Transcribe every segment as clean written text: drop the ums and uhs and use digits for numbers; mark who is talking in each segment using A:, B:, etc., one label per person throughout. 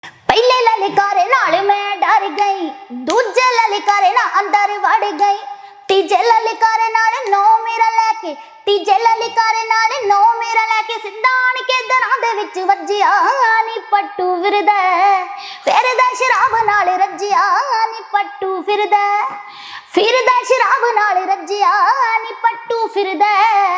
A: पहले ललकारे नाल मैं डर गई, दूजे ललकारे ना अंदर वड़ गई, तीजे ललकारे नाल नौ मेरा लैके, तीजे ललकारे नाल नौ मेरा लैके सिद्धा आण के दरां दे विच वज्जिया नी पट्टू फिरदा शराब नाल रज्जिया नी पट्टू फिरदा शराब नाल रज्जिया नी पट्टू फिरदा।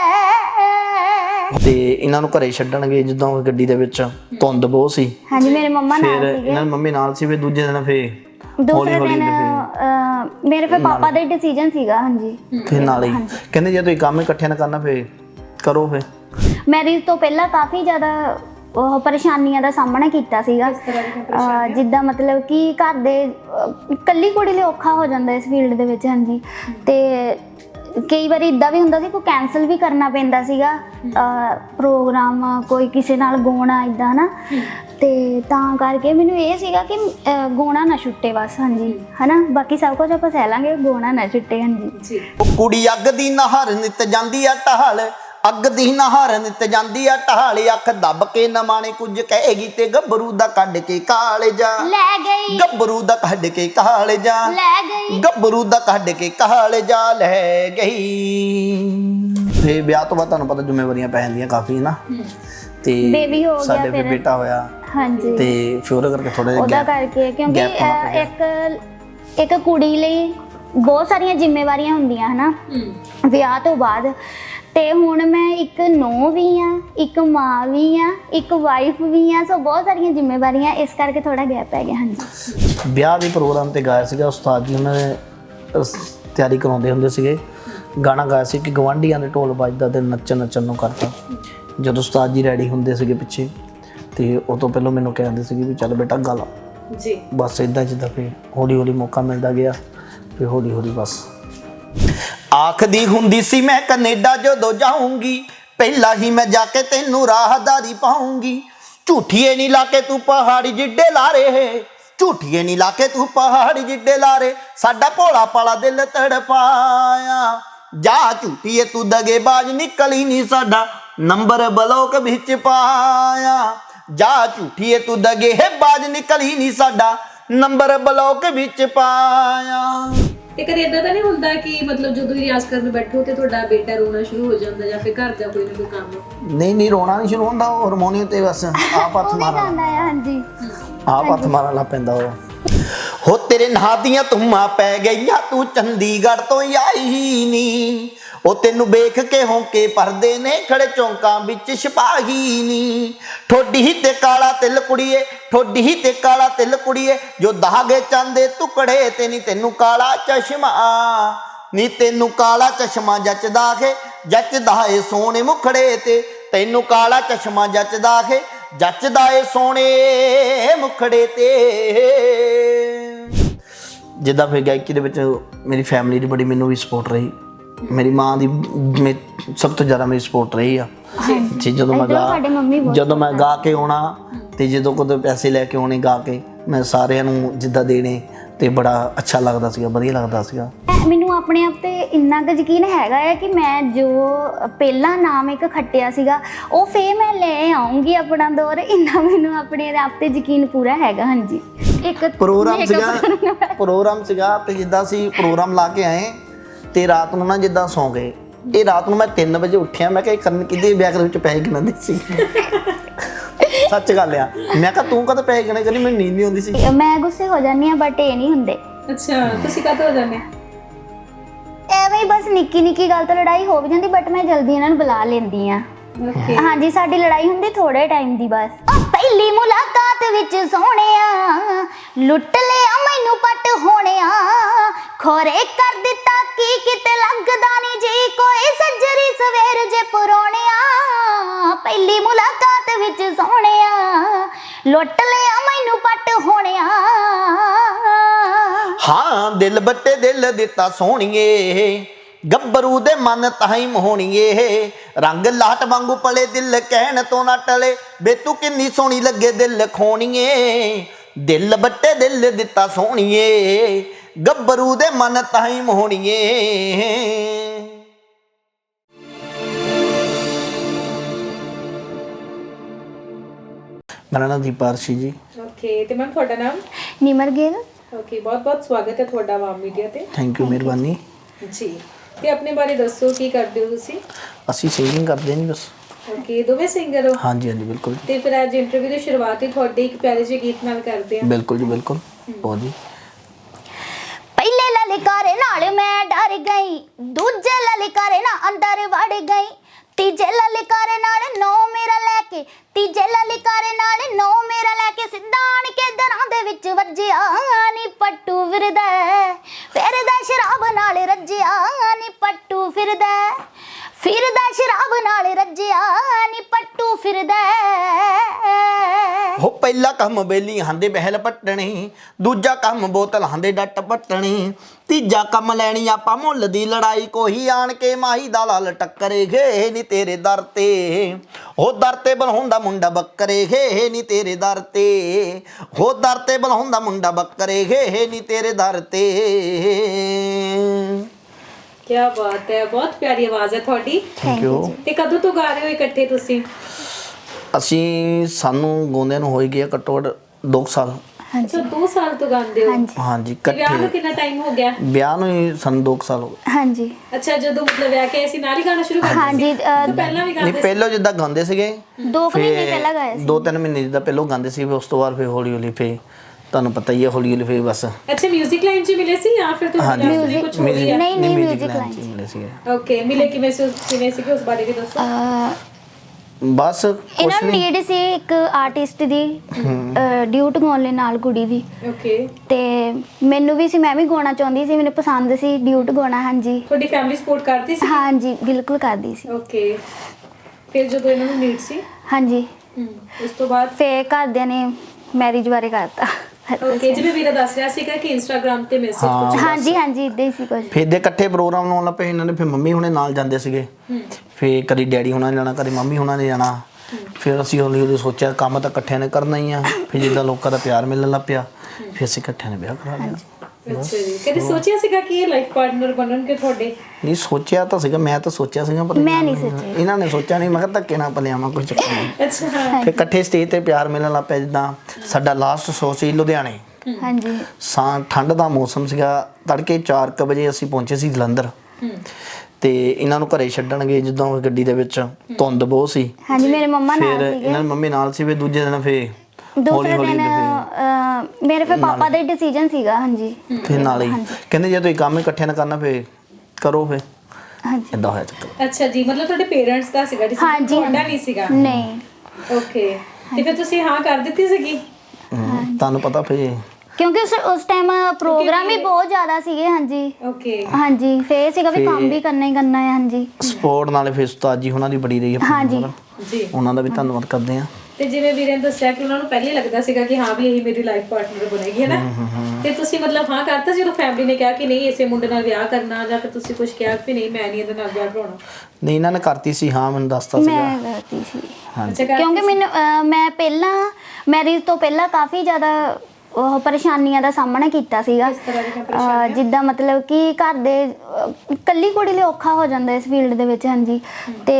B: ਤੇ ਇਹਨਾਂ ਨੂੰ ਘਰੇ ਛੱਡਣਗੇ ਜਦੋਂ ਗੱਡੀ ਦੇ ਵਿੱਚ ਧੁੰਦ ਬਹੁਤ ਸੀ।
A: ਹਾਂਜੀ ਮੇਰੇ ਮੰਮਾ ਨਾਲ
B: ਫਿਰ
A: ਸੀਗੇ।
B: ਇਹਨਾਂ ਦੀ ਮੰਮੀ ਨਾਲ ਸੀ। ਫਿਰ ਦੂਜੇ ਦਿਨ ਫਿਰ
A: ਦੂਸਰੇ ਦਿਨ ਮੇਰੇ ਫਿਰ ਪਾਪਾ ਦਾ ਡਿਸੀਜਨ ਸੀਗਾ। ਹਾਂਜੀ
B: ਫਿਰ ਨਾਲ ਹੀ ਕਹਿੰਦੇ ਜੇ ਤੁਸੀਂ ਕੰਮ ਇਕੱਠੇ ਨਾ ਕਰਨਾ ਫਿਰ ਕਰੋ। ਫਿਰ
A: ਮੈਰਿਜ ਤੋਂ ਪਹਿਲਾਂ ਕਾਫੀ ਜ਼ਿਆਦਾ ਉਹ ਪਰੇਸ਼ਾਨੀਆਂ ਦਾ ਸਾਹਮਣਾ ਕੀਤਾ ਸੀਗਾ। ਜਿੱਦਾਂ ਮਤਲਬ ਕਿ ਘਰ ਦੇ ਇਕੱਲੀ ਕੁੜੀ ਲਈ ਔਖਾ ਹੋ ਜਾਂਦਾ ਇਸ ਫੀਲਡ ਦੇ ਵਿੱਚ। ਹਾਂਜੀ ਤੇ ਕਈ ਵਾਰੀ ਇੱਦਾਂ ਵੀ ਹੁੰਦਾ ਸੀ ਕੋਈ ਕੈਂਸਲ ਵੀ ਕਰਨਾ ਪੈਂਦਾ ਸੀਗਾ ਪ੍ਰੋਗਰਾਮ, ਕੋਈ ਕਿਸੇ ਨਾਲ ਗਾਉਣਾ ਇੱਦਾਂ ਨਾ। ਤੇ ਤਾਂ ਕਰਕੇ ਮੈਨੂੰ ਇਹ ਸੀਗਾ ਕਿ ਗਾਉਣਾ ਨਾ ਛੁੱਟੇ ਬਸ। ਹਾਂਜੀ ਹਨਾ, ਬਾਕੀ ਸਭ ਕੁਝ ਆਪਾਂ ਸਹਿ ਲਾਂਗੇ, ਗਾਉਣਾ ਨਾ ਛੁੱਟੇ। ਹਾਂਜੀ
B: ਉਹ ਕੁੜੀ ਅੱਗ ਦੀ ਨਹਰ ਨਿਤ ਜਾਂਦੀ ਆ ਢਾਲ, ਅੱਗ ਦੀ ਨਹਰ ਨਿਤ ਜਾਂਦੀ ਆ ਢਾਲ, ਅੱਖ ਦੱਬ ਕੇ ਨਾ ਮਾਣੇ ਕੁਝ ਕਹੇਗੀ ਤੇ ਗੱਭਰੂ ਦਾ ਕੱਢ ਕੇ ਕਾਲਜਾ
A: ਲੈ ਗਈ,
B: ਗੱਭਰੂ ਦਾ ਕੱਢ ਕੇ ਕਾਲਜਾ
A: ਲੈ ਗਈ,
B: ਗੱਭਰੂ ਦਾ ਕੱਢ ਕੇ ਕਾਲਜਾ ਲੈ ਗਈ। ਫੇ ਵਿਆਹ ਤੋਂ ਬਾਅਦ ਤੁਹਾਨੂੰ ਪਤਾ ਜ਼ਿੰਮੇਵਾਰੀਆਂ ਪੈ ਜਾਂਦੀਆਂ ਕਾਫੀ ਨਾ। ਤੇ
A: ਬੇਬੀ ਹੋ ਗਿਆ,
B: ਸਾਡੇ ਫਿਰ ਬੇਟਾ ਹੋਇਆ।
A: ਹਾਂਜੀ
B: ਤੇ ਫਿਰ ਉਹਦਾ ਕਰਕੇ ਥੋੜਾ ਜਿਹਾ
A: ਉਹਦਾ ਕਰਕੇ ਕਿਉਂਕਿ ਇੱਕ ਕੁੜੀ ਲਈ ਬਹੁਤ ਸਾਰੀਆਂ ਜ਼ਿੰਮੇਵਾਰੀਆਂ ਹੁੰਦੀਆਂ ਹਨਾ ਵਿਆਹ ਤੋਂ ਬਾਅਦ। ਤੇ ਹੁਣ ਮੈਂ ਇੱਕ ਨੂੰਹ ਵੀ ਆ, ਇੱਕ ਮਾਂ ਵੀ ਆ, ਇੱਕ ਵਾਈਫ ਵੀ ਆ, ਸੋ ਬਹੁਤ ਸਾਰੀਆਂ ਜ਼ਿੰਮੇਵਾਰੀਆਂ, ਇਸ ਕਰਕੇ ਥੋੜਾ ਗੈਪ ਪੈ ਗਿਆ। ਹਾਂਜੀ
B: ਵਿਆਹ ਦੇ ਪ੍ਰੋਗਰਾਮ ਤੇ ਗਾਇਆ ਸੀਗਾ ਉਸਤਾਦ ਜੀ, ਉਹਨਾਂ ਨੇ ਤਿਆਰੀ ਕਰਾਉਂਦੇ ਹੁੰਦੇ ਸੀਗੇ। ਗਾਣਾ ਗਾਇਆ ਸੀ ਕਿ ਗਵਾਂਢੀਆਂ ਦੇ ਢੋਲ ਵੱਜਦਾ ਤੇ ਨੱਚਣ ਨੂੰ ਕਰਤਾ। ਜਦੋਂ ਉਸਤਾਦ ਜੀ ਰੈਡੀ ਹੁੰਦੇ ਸੀਗੇ ਪਿੱਛੇ, ਤੇ ਉਹ ਤੋਂ ਪਹਿਲਾਂ ਮੈਨੂੰ ਕਹਿੰਦੇ ਸੀਗੇ ਵੀ ਚੱਲ ਬੇਟਾ ਗਾ ਲਾ ਜੀ। ਬਸ ਇੱਦਾਂ ਜਿੱਦਾਂ ਫਿਰ ਹੌਲੀ ਹੌਲੀ ਮੌਕਾ ਮਿਲਦਾ ਗਿਆ, ਫਿਰ ਹੌਲੀ ਹੌਲੀ ਬਸ। ਆਖਦੀ ਹੁੰਦੀ ਸੀ ਮੈਂ ਕੈਨੇਡਾ ਜਦੋਂ ਜਾਊਂਗੀ, ਪਹਿਲਾਂ ਹੀ ਮੈਂ ਜਾ ਕੇ ਤੈਨੂੰ ਰਾਹਦਾਰੀ ਪਾਉਂਗੀ। ਝੂਠੀਏ ਨਹੀਂ ਲਾ ਕੇ ਤੂੰ ਪਹਾੜੀ ਜਿੱਡੇ ਲਾਰੇ, ਝੂਠੀਏ ਨਹੀਂ ਲਾ ਕੇ ਤੂੰ ਪਹਾੜੀ ਜਿੱਡੇ ਲਾਰੇ, ਸਾਡਾ ਭੋਲਾ ਪਾਲਾ ਦਿਲ ਤੜਪਾਇਆ। ਜਾ ਝੂਠੀਏ ਤੂੰ ਦਗੇਬਾਜ਼, ਨਿਕਲੀ ਨਹੀਂ ਸਾਡਾ ਨੰਬਰ ਬਲੌਕ ਵਿੱਚ ਪਾਇਆ। ਜਾ ਝੂਠੀਏ ਤੂੰ ਦਗੇਬਾਜ਼, ਨਿਕਲੀ ਨਹੀਂ ਸਾਡਾ ਨੰਬਰ ਬਲੌਕ ਵਿੱਚ ਪਾਇਆ।
C: ਤੇ ਕਦੇ ਇਦਾਂ ਤਾਂ ਨਹੀਂ ਹੁੰਦਾ ਕਿ ਮਤਲਬ ਜਦੋਂ ਰਿਆਜ਼ ਕਰਨ ਬੈਠੋ ਤੇ ਤੁਹਾਡਾ ਬੇਟਾ ਰੋਣਾ ਸ਼ੁਰੂ ਹੋ ਜਾਂਦਾ ਜਾਂ ਫਿਰ ਘਰ ਦਾ ਕੋਈ ਨਾ ਕੋਈ ਕੰਮ?
B: ਨਹੀਂ ਰੋਣਾ ਨਹੀਂ ਸ਼ੁਰੂ ਹੁੰਦਾ, ਉਹ ਹਾਰਮੋਨੀਅਮ ਤੇ ਬਸ ਆਪ ਹੱਥ ਮਾਰਨਾ।
A: ਹਾਂਜੀ
B: ਆਪ ਹੱਥ ਮਾਰਨ ਲੱਗ ਪੈਂਦਾ ਉਹ। ਹੋ ਤੇਰੇ ਨਾਂ ਦੀਆਂ ਧੁੰਮਾਂ ਪੈ ਗਈਆਂ, ਤੂੰ ਚੰਡੀਗੜ੍ਹ ਤੋਂ ਆਈ ਨੀ। ਉਹ ਤੈਨੂੰ ਵੇਖ ਕੇ ਹੌਂਕੇ ਭਰਦੇ ਨੇ ਖੜੇ ਚੌਂਕਾਂ ਵਿੱਚ ਸਿਪਾਹੀ ਨੀ। ਠੋਡੀ ਤੇ ਕਾਲਾ ਤਿਲ ਕੁੜੀਏ, ਠੋਡੀ ਤੇ ਕਾਲਾ ਤਿਲ ਕੁੜੀਏ, ਜੋ ਦਾਗੇ ਚਾਂਦੇ ਟੁਕੜੇ ਤੇ ਨੀ ਤੈਨੂੰ ਕਾਲਾ ਚਸ਼ਮਾ, ਨੀ ਤੈਨੂੰ ਕਾਲਾ ਚਸ਼ਮਾ ਜੱਚਦਾ ਹੈ, ਜੱਚਦਾ ਏ ਸੋਹਣੇ ਮੁਖੜੇ ਤੇ, ਤੈਨੂੰ ਕਾਲਾ ਚਸ਼ਮਾ ਜੱਚਦਾ ਹੈ, ਜੱਚਦਾ ਏ ਸੋਹਣੇ ਮੁਖੜੇ ਤੇ। ਜਿੱਦਾਂ ਫਿਰ ਗਾਇਕੀ ਦੇ ਵਿੱਚ ਮੇਰੀ ਫੈਮਿਲੀ ਦੀ ਬੜੀ ਮੈਨੂੰ ਵੀ ਸਪੋਰਟ ਰਹੀ। ਮੇਰੀ ਮਾਂ ਦੀ ਸਭ ਤੋਂ ਜ਼ਿਆਦਾ ਮੇਰੀ ਸਪੋਰਟ ਰਹੀ ਆ ਜੀ। ਜਦੋਂ ਮੈਂ ਗਾ ਕੇ ਆਉਣਾ ਤੇ ਜਦੋਂ ਕਦੇ ਪੈਸੇ ਲੈ ਕੇ ਆਉਣੇ ਗਾ ਕੇ, ਮੈਂ ਸਾਰਿਆਂ ਨੂੰ ਜਿੱਦਾਂ ਦੇਣੇ, ਤੇ ਬੜਾ ਅੱਛਾ ਲੱਗਦਾ ਸੀਗਾ, ਵਧੀਆ ਲੱਗਦਾ ਸੀਗਾ।
A: ਮੈਨੂੰ ਆਪਣੇ ਆਪ ਤੇ ਇੰਨਾ ਕੁ ਯਕੀਨ ਹੈਗਾ ਹੈ ਕਿ ਮੈਂ ਜੋ ਪਹਿਲਾ ਨਾਮ ਇੱਕ ਖੱਟਿਆ ਸੀਗਾ ਉਹ ਫੇਰ ਮੈਂ ਲੈ ਆਉਂਗੀ ਆਪਣਾ ਦੌਰ, ਇੰਨਾ ਮੈਨੂੰ ਆਪਣੇ ਆਪ ਤੇ ਯਕੀਨ ਪੂਰਾ ਹੈਗਾ। ਹਾਂਜੀ ਇੱਕ ਪ੍ਰੋਗਰਾਮ ਸੀਗਾ
B: ਤੇ ਜਿੱਦਾਂ ਅਸੀਂ ਪ੍ਰੋਗਰਾਮ ਲਾ ਕੇ ਆਏ ਤੇ ਰਾਤ ਨੂੰ ਨਾ ਜਿੱਦਾਂ ਸੌਂ ਗਏ, ਇਹ ਰਾਤ ਨੂੰ ਮੈਂ 3 ਵਜੇ ਉੱਠਿਆ। ਮੈਂ ਕਿਹਾ ਕਰਨ ਕਿਹਦੇ ਬੈਗ ਦੇ ਵਿੱਚ ਪੈਸੇ ਗਿਣਦੇ ਸੀ। ਸੱਚ ਗੱਲ ਆ। ਮੈਂ ਕਿਹਾ ਤੂੰ ਕਦੇ ਪੈਸੇ ਗਿਣੇ? ਕਹਿੰਦੀ ਮੈਨੂੰ ਨੀਂਦ ਨਹੀਂ ਆਉਂਦੀ ਸੀ।
A: ਮੈਂ ਗੁੱਸੇ ਹੋ ਜਾਂਦੀ ਆ ਬਟ ਇਹ ਨਹੀਂ ਹੁੰਦੇ।
C: ਅੱਛਾ ਤੁਸੀਂ ਕਦੋਂ ਹੋ ਜਾਂਦੇ?
A: ਐਵੇਂ ਹੀ ਬਸ ਨਿੱਕੀ ਗੱਲ ਤੋਂ ਲੜਾਈ ਹੋ ਵੀ ਜਾਂਦੀ ਬਟ ਮੈਂ ਜਲਦੀ ਇਹਨਾਂ ਨੂੰ ਬੁਲਾ ਲੈਂਦੀ ਆ। ਹਾਂਜੀ ਸਾਡੀ ਲੜਾਈ ਹੁੰਦੀ ਥੋੜੇ ਟਾਈਮ ਦੀ ਬਸ। ਪਹਿਲੀ ਮੁਲਾਕਾਤ ਵਿੱਚ ਸੋਹਣਿਆ ਲੁੱਟ ਲਿਆ ਮੈਨੂੰ ਪੱਟ ਹੋਣਿਆ, ਖੋਰੇ ਕਰ ਦਿੱਤਾ ਕੀ ਕਿਤੇ ਲੱਗਦਾ ਨਹੀਂ ਜੀ ਕੋਈ ਸੱਜਰੀ ਸਵੇਰ ਜੇ ਪੁਰਾਣਿਆ। ਪਹਿਲੀ ਮੁਲਾਕਾਤ ਵਿੱਚ ਸੋਹਣਿਆ ਲੁੱਟ ਲਿਆ ਮੈਨੂੰ ਪੱਟ ਹੋਣਿਆ।
B: ਹਾਂ ਦਿਲ ਬੱਟੇ ਦਿਲ ਦਿੱਤਾ ਸੋਹਣੀਏ, ਗੱਭਰੂ ਦੇ ਮਨ ਤਾਈ ਮੋਹਣੀਏ, ਰੰਗ ਲਾਟ ਵਾਂਗੂ ਪਲੇ ਦਿਲ ਕਹਿਣ ਤੋਂ ਨਾ ਟਲੇ, ਬੇ ਤੂੰ ਕਿੰਨੀ ਸੋਹਣੀ ਲੱਗੇ ਦਿਲ ਖੋਣੀਏ। ਦਿਲ ਬੱਟੇ ਦਿਲ ਦਿੱਤਾ ਸੋਹਣੀਏ, ਗੱਭਰੂ ਦੇ ਮਨ ਤਾਈ ਮੋਹਣੀਏ। ਮੇਰਾ ਨਾਮ ਦੀਪਾਰਸ਼ੀ ਜੀ।
C: ਓਕੇ, ਤੇ ਮੈਮ ਤੁਹਾਡਾ ਨਾਮ?
A: ਨਿਮਰ ਗਿੱਲ।
C: ਓਕੇ, ਬਹੁਤ-ਬਹੁਤ ਸਵਾਗਤ ਹੈ ਤੁਹਾਡਾ ਵਾਮ ਮੀਡੀਆ ਤੇ।
B: ਥੈਂਕ ਯੂ, ਮਿਹਰਬਾਨੀ
C: ਜੀ, ਤੇ ਆਪਣੇ ਬਾਰੇ ਦੱਸੋ, ਕੀ ਕਰਦੇ ਹੋ ਤੁਸੀਂ?
B: ਅਸੀਂ ਸਿੰਗਿੰਗ ਕਰਦੇ ਹਾਂ ਜੀ ਬਸ।
C: ਓਕੇ, ਦੋਵੇਂ ਸਿੰਗਰ ਹੋ?
B: ਹਾਂਜੀ ਹਾਂਜੀ ਬਿਲਕੁਲ
C: ਤੇ ਫਿਰ ਅੱਜ ਇੰਟਰਵਿਊ ਦੀ ਸ਼ੁਰੂਆਤ ਹੀ ਤੁਹਾਡੇ ਇੱਕ ਪਿਆਰੇ ਜਿਹੇ ਗੀਤ ਨਾਲ ਕਰਦੇ ਹਾਂ।
B: ਬਿਲਕੁਲ ਜੀ ਬਿਲਕੁਲ। ਬਹੁਤ ਜੀ।
A: ਪਹਿਲੇ ਲਲਕਾਰੇ ਨਾਲ ਮੈਂ ਡਰ ਗਈ, ਦੂਜੇ ਲਲਕਾਰੇ ਨਾਲ ਅੰਦਰ ਵੜ ਗਈ, ਤੀਜੇ ਲਲਕਾਰੇ ਨਾਲ ਨੌ ਮੇਰਾ ਲੈ ਕੇ, ਤੀਜੇ ਲਲਕਾਰੇ ਨਾਲ ਨੌ ਮੇਰਾ ਲੈ ਕੇ ਸਿੱਧਾ ਆਣ ਕੇ ਦਰਾਂ ਦੇ ਵਿੱਚ ਵੱਜਿਆ ਨੀ ਪੱਟੂ ਫਿਰਦਾ, ਫਿਰਦਾ ਸ਼ਰਾਬ ਨਾਲ ਰੱਜਿਆ ਨੀ ਪੱਟੂ ਫਿਰਦਾ, ਫਿਰਦਾ ਸ਼ਰਾਬ ਨਾਲ ਰੱਜਿਆ ਨੀ ਪੱਟੂ ਫਿਰਦਾ।
B: ਹੋ ਪਹਿਲਾ ਕੰਮ ਬੇਲੀਆਂ ਦੇ ਬਹਿਲ ਪੱਟਣੀ, ਦੂਜਾ ਕੰਮ ਬੋਤਲਾਂ ਦੇ ਡੱਟ ਪੱਟਣੀ, ਤੀਜਾ ਕੰਮ ਲੈਣੀ ਆਪਾਂ ਮੁੱਲ ਦੀ ਲੜਾਈ, ਕੋਈ ਆਣ ਕੇ ਮਾਹੀ ਦਾ ਲਾਲ ਟੱਕਰੇ ਗੇ ਨੀ ਤੇਰੇ ਦਰ ਤੇ, ਹੋ ਦਰ ਤੇ ਬਲਹੁੰਦਾ ਮੁੰਡਾ ਬੱਕਰੇ ਗੇ ਨੀ ਤੇਰੇ ਦਰ ਤੇ, ਹੋ ਦਰ ਤੇ ਬਲਹੁੰਦਾ ਮੁੰਡਾ ਬੱਕਰੇ ਗੇ ਨੀ ਤੇਰੇ ਦਰ ਤੇ।
C: ਕੀ ਬਾਤ ਹੈ, ਬਹੁਤ ਪਿਆਰੀ ਆਵਾਜ਼ ਹੈ ਤੁਹਾਡੀ।
B: Thank you.
C: ਤੇ ਕਦੋਂ ਤੋਂ ਗਾ ਰਹੇ ਹੋ ਇਕੱਠੇ ਤੁਸੀਂ?
B: ਅਸੀਂ ਸਾਨੂੰ ਗਾਉਂਦਿਆਂ ਨੂੰ ਹੋਈ ਗਿਆ ਘੱਟੋ ਘੱਟ 2 ਸਾਲ।
C: ਅੱਛਾ, 2 ਸਾਲ ਤੋਂ ਗਾਉਂਦੇ ਹੋ?
B: ਹਾਂਜੀ
C: ਤੇ ਵਿਆਹ ਨੂੰ
B: ਇਕੱਠੇ।
C: ਕਿੰਨਾ ਟਾਈਮ ਹੋ ਗਿਆ?
B: ਵਿਆਹ ਨੂੰ ਹੀ ਸਾਨੂੰ 2 ਸਾਲ ਹੋ ਗਏ।
A: ਹਾਂਜੀ
C: ਅੱਛਾ, ਜਦੋਂ ਮਤਲਬ ਵਿਆਹ ਕੇ ਅਸੀਂ ਨਾਲ ਹੀ ਗਾਣਾ ਸ਼ੁਰੂ ਕਰ ਦਿੱਤਾ?
A: ਹਾਂਜੀ,
C: ਤੋਂ ਪਹਿਲਾਂ ਵੀ
B: ਨਹੀਂ,
C: ਗਾਉਂਦੇ ਸੀ?
B: ਪਹਿਲਾਂ ਜਿੱਦਾਂ ਗਾਉਂਦੇ ਸੀਗੇ
A: 2 ਮਹੀਨੇ ਪਹਿਲਾਂ ਗਾਇਆ ਸੀ।
B: 2-3 ਮਹੀਨੇ ਜਿੱਦਾਂ ਪਹਿਲਾਂ ਗਾਉਂਦੇ ਸੀ, ਫਿਰ ਉਸ ਤੋਂ ਬਾਅਦ ਫਿਰ ਹੌਲੀ ਹੌਲੀ ਫਿਰ ਤੁਹਾਨੂੰ ਪਤਾ ਹੀ ਹੈ ਹੌਲੀ ਹੌਲੀ ਫਿਰ ਬਸ।
C: ਅੱਛਾ, 뮤직 ਲਾਈਨ 'ਚ ਮਿਲੇ ਸੀ ਜਾਂ ਫਿਰ ਤੁਹਾਡੀ ਲਾਈਫ ਦੀ ਕੁਝ ਹੋ ਰਹੀ ਹੈ?
A: ਨਹੀਂ,
B: ਨਹੀਂ
A: music
B: music line
A: line
B: 'ਚ ਹੀ ਮਿਲੇ ਸੀਗੇ।
C: ਓਕੇ, ਮਿਲੇ ਕਿਵੇਂ ਸੀਗੇ ਉਸ ਬਾਰੇ ਵੀ ਦੱਸੋ।
B: ਬਸ
A: ਇਹਨਾਂ ਨੂੰ ਨੀਡ ਸੀ ਇੱਕ ਆਰਟਿਸਟ ਦੀ, ਡਿਊਟ ਗਾਉਣ ਲਈ ਨਾਲ ਕੁੜੀ ਦੀ,
C: ਓਕੇ,
A: ਤੇ ਮੈਨੂੰ ਵੀ ਸੀ, ਮੈਂ ਵੀ ਗਾਉਣਾ ਚਾਹੁੰਦੀ ਸੀ, ਮੈਨੂੰ ਪਸੰਦ ਸੀ ਡਿਊਟ ਗਾਉਣਾ। ਹਾਂਜੀ
C: ਤੁਹਾਡੀ ਫੈਮਿਲੀ ਸਪੋਰਟ ਕਰਦੀ ਸੀ?
A: ਹਾਂਜੀ ਬਿਲਕੁਲ ਕਰਦੀ ਸੀ।
C: ਓਕੇ, ਫਿਰ ਜਦੋਂ ਇਹਨਾਂ ਨੂੰ ਨੀਡ ਸੀ,
A: ਹਾਂਜੀ
C: ਉਸ ਤੋਂ ਬਾਅਦ?
A: ਫੇਰ ਘਰਦਿਆਂ ਨੇ ਮੈਰਿਜ ਬਾਰੇ ਕਰਤਾ।
C: ਓਕੇ, ਜਿਵੇਂ ਵੀਰਾ ਦੱਸ ਰਿਹਾ ਸੀਗਾ ਕਿ ਇੰਸਟਾਗ੍ਰam ਤੇ ਮੈਸੇਜ ਕੁਝ।
A: ਹਾਂਜੀ ਹਾਂਜੀ ਇਦਾਂ ਹੀ ਸੀ ਕੁਝ।
B: ਫਿਰ ਦੇ ਇਕੱਠੇ ਪ੍ਰੋਗਰਾਮ ਲਾਉਣ ਲੱਗ ਪਏ ਇਹਨਾਂ ਨੇ, ਫਿਰ ਮੰਮੀ ਹੁਣੇ ਨਾਲ ਜਾਂਦੇ ਸੀਗੇ, ਫਿਰ ਕਦੀ ਡੈਡੀ ਹੁਣਾਂ ਨੇ ਜਾਣਾ, ਕਦੀ ਮੰਮੀ ਹੁਣਾਂ ਨੇ ਜਾਣਾ। ਫਿਰ ਅਸੀਂ ਹੌਲੀ ਹੌਲੀ ਸੋਚਿਆ ਕੰਮ ਤਾਂ ਇਕੱਠਿਆਂ ਨੇ ਕਰਨਾ ਹੀ ਆ, ਫਿਰ ਜਿੱਦਾਂ ਲੋਕਾਂ ਦਾ ਪਿਆਰ ਮਿਲਣ ਲੱਗ ਪਿਆ, ਫਿਰ ਅਸੀਂ ਇਕੱਠਿਆਂ ਨੇ ਵਿਆਹ ਕਰਾ ਲਿਆ।
C: ਅੱਛਾ ਜੀ, ਕਦੇ ਸੋਚਿਆ ਸੀਗਾ ਕਿ ਇਹ ਲਾਈਫ ਪਾਰਟਨਰ ਬਣਨਗੇ ਤੁਹਾਡੇ?
B: ਨਹੀਂ ਸੋਚਿਆ ਤਾਂ ਸੀਗਾ, ਮੈਂ ਤਾਂ ਸੋਚਿਆ ਸੀਗਾ ਪਰ
A: ਮੈਂ ਨਹੀਂ ਸੋਚਿਆ।
B: ਇਹਨਾਂ ਨੇ ਸੋਚਿਆ ਨਹੀਂ। ਮੈਂ ਕਿਹਾ ਧੱਕੇ ਨਾਲ ਪਲਿਆਵਾਂ ਕੋਈ ਚੱਕਰ ਨਹੀਂ।
C: ਅੱਛਾ,
B: ਫਿਰ ਇਕੱਠੇ ਸਟੇਜ ਤੇ ਪਿਆਰ ਮਿਲਣ ਲੱਗ ਪਿਆ। ਜਿੱਦਾਂ ਸਾਡਾ ਲਾਸਟ ਸ਼ੋਅ ਸੀ ਲੁਧਿਆਣੇ,
A: ਹਾਂਜੀ
B: ਠੰਡ ਦਾ ਮੌਸਮ ਸੀਗਾ, ਤੜਕੇ 4 ਵਜੇ ਅਸੀਂ ਪਹੁੰਚੇ ਸੀ ਜਲੰਧਰ, ਤੇ ਇਹਨਾਂ ਨੂੰ ਘਰੇ ਛੱਡਣਗੇ ਜਿੱਦਾਂ ਉਹ ਗੱਡੀ ਦੇ ਵਿੱਚ, ਧੁੰਦ ਬਹੁਤ ਸੀ।
A: ਹਾਂਜੀ ਮੇਰੇ ਮੰਮਾ ਨਾਲ
B: ਫਿਰ
A: ਸੀਗੇ।
B: ਇਹਨਾਂ ਦੀ ਮੰਮੀ ਨਾਲ ਸੀ। ਫਿਰ ਦੂਜੇ ਦਿਨ ਫਿਰ
A: ਦੂਸਰੇ ਦਿਨ ਮੇਰੇ ਫਿਰ ਪਾਪਾ ਦਾ ਡਿਸੀਜਨ ਸੀਗਾ। ਹਾਂਜੀ
B: ਫਿਰ ਨਾਲ ਹੀ ਕਹਿੰਦੇ ਜੇ ਤੁਸੀਂ ਕੰਮ ਇਕੱਠੇ ਨਾ ਕਰਨਾ ਫਿਰ ਕਰੋ। ਫਿਰ
A: ਹਾਂਜੀ
B: ਏਦਾਂ ਹੋਇਆ ਚੱਕਰ।
C: ਅੱਛਾ ਜੀ, ਮਤਲਬ ਤੁਹਾਡੇ ਪੇਰੈਂਟਸ ਦਾ ਸੀਗਾ decision,
A: ਹਾਂਜੀ,
C: ਤੁਹਾਡਾ ਨਹੀਂ ਸੀਗਾ?
A: ਨਹੀਂ।
C: ਓਕੇ, ਤੇ ਫਿਰ ਤੁਸੀਂ ਹਾਂ ਕਰ ਦਿੱਤੀ ਸੀਗੀ?
B: ਤੁਹਾਨੂੰ ਪਤਾ ਫਿਰ
A: ਕਿਉਂਕਿ ਉਸ ਟਾਈਮ ਪ੍ਰੋਗਰਾਮ ਵੀ ਬਹੁਤ ਜ਼ਿਆਦਾ ਸੀਗੇ। ਹਾਂਜੀ
C: ਓਕੇ,
A: ਹਾਂਜੀ ਫੇਰ ਸੀਗਾ ਵੀ ਕੰਮ ਵੀ ਕਰਨਾ ਹੀ ਕਰਨਾ ਹੈ। ਹਾਂਜੀ
B: ਸਪੋਰਟ ਨਾਲੇ ਫਿਰ ਉਸਤਾਦ ਜੀ ਉਹਨਾਂ ਦੀ ਬੜੀ ਰਹੀ ਹੈ।
A: ਹਾਂਜੀ
C: ਜੀ,
B: ਉਹਨਾਂ ਦਾ ਵੀ ਧੰਨਵਾਦ ਕਰਦੇ ਆ।
C: ਤੇ ਜਿਵੇਂ ਵੀਰੇ ਨੇ ਦੱਸਿਆ ਕਿ ਉਹਨਾਂ ਨੂੰ ਪਹਿਲੇ ਲੱਗਦਾ ਸੀਗਾ ਕਿ ਹਾਂ ਵੀ ਇਹੀ ਮੇਰੀ ਲਾਈਫ ਪਾਰਟਨਰ ਬਣੇਗੀ, ਹੈ ਨਾ? ਤੇ ਤੁਸੀਂ ਮਤਲਬ ਹਾਂ ਕਰਤਾ ਜਦੋਂ ਫੈਮਿਲੀ ਨੇ ਕਿਹਾ ਕਿ ਨਹੀਂ ਇਸੇ ਮੁੰਡੇ ਨਾਲ ਵਿਆਹ ਕਰਨਾ, ਜਾਂ ਫਿਰ ਤੁਸੀਂ ਕੁਝ ਕਿਹਾ ਕਿ ਨਹੀਂ ਮੈਂ ਨਹੀਂ ਇਹਦੇ ਨਾਲ ਵਿਆਹ ਕਰਾਉਣਾ?
B: ਨਹੀਂ ਇਹਨਾਂ ਨੇ ਕਰਤੀ ਸੀ ਹਾਂ, ਮੈਨੂੰ ਦੱਸਤਾ ਸੀਗਾ।
A: ਮੈਂ ਕਰਤੀ ਸੀ
C: ਅੱਛਾ,
A: ਕਿਉਂਕਿ ਮੈਨੂੰ ਮੈਂ ਪਹਿਲਾਂ ਮੈਰਿਜ ਤੋਂ ਪਹਿਲਾਂ ਕਾਫੀ ਜ਼ਿਆਦਾ ਉਹ ਪਰੇਸ਼ਾਨੀਆਂ ਦਾ ਸਾਹਮਣਾ ਕੀਤਾ ਸੀਗਾ।
C: ਕਿਸ ਤਰ੍ਹਾਂ ਦੀਆਂ ਪਰੇਸ਼ਾਨੀਆਂ?
A: ਜਿੱਦਾਂ ਮਤਲਬ ਕਿ ਘਰ ਦੇ ਇਕੱਲੀ ਕੁੜੀ ਲਈ ਔਖਾ ਹੋ ਜਾਂਦਾ ਇਸ ਫੀਲਡ ਦੇ ਵਿੱਚ। ਹਾਂਜੀ, ਤੇ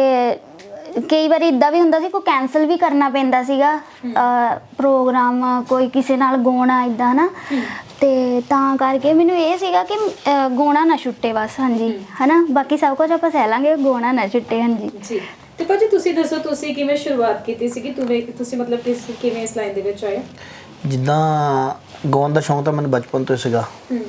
A: ਕਈ ਵਾਰੀ ਇਦਾਂ ਵੀ ਹੁੰਦਾ ਸੀ ਕੋਈ ਕੈਨਸਲ ਵੀ ਕਰਨਾ ਪੈਂਦਾ ਸੀਗਾ ਪ੍ਰੋਗਰਾਮ, ਕੋਈ ਕਿਸੇ ਨਾਲ ਗਾਉਣਾ ਇਦਾਂ ਨਾ, ਤੇ ਤਾਂ ਕਰਕੇ ਮੈਨੂੰ ਇਹ ਸੀਗਾ ਕਿ ਗਾਉਣਾ ਨਾ ਛੁੱਟੇ ਬਸ। ਹਾਂਜੀ ਹਨਾ, ਬਾਕੀ ਸਭ ਕੁਝ ਆਪਾਂ ਸਹਿ ਲਾਂਗੇ, ਗਾਉਣਾ ਨਾ ਛੁੱਟੇ। ਹਾਂਜੀ
C: ਜੀ, ਤੇ ਭਾਜੀ ਤੁਸੀਂ ਦੱਸੋ ਤੁਸੀਂ ਕਿਵੇਂ ਸ਼ੁਰੂਆਤ ਕੀਤੀ ਸੀਗੀ? ਤੁਸੀਂ ਮਤਲਬ ਕਿਵੇਂ ਇਸ ਲਾਈਨ ਦੇ ਵਿੱਚ ਆਏ?
B: ਜਿੱਦਾਂ ਗਾਉਣ ਦਾ ਸ਼ੌਂਕ ਤਾਂ ਮੈਨੂੰ ਬਚਪਨ ਤੋਂ ਹੀ ਸੀਗਾ।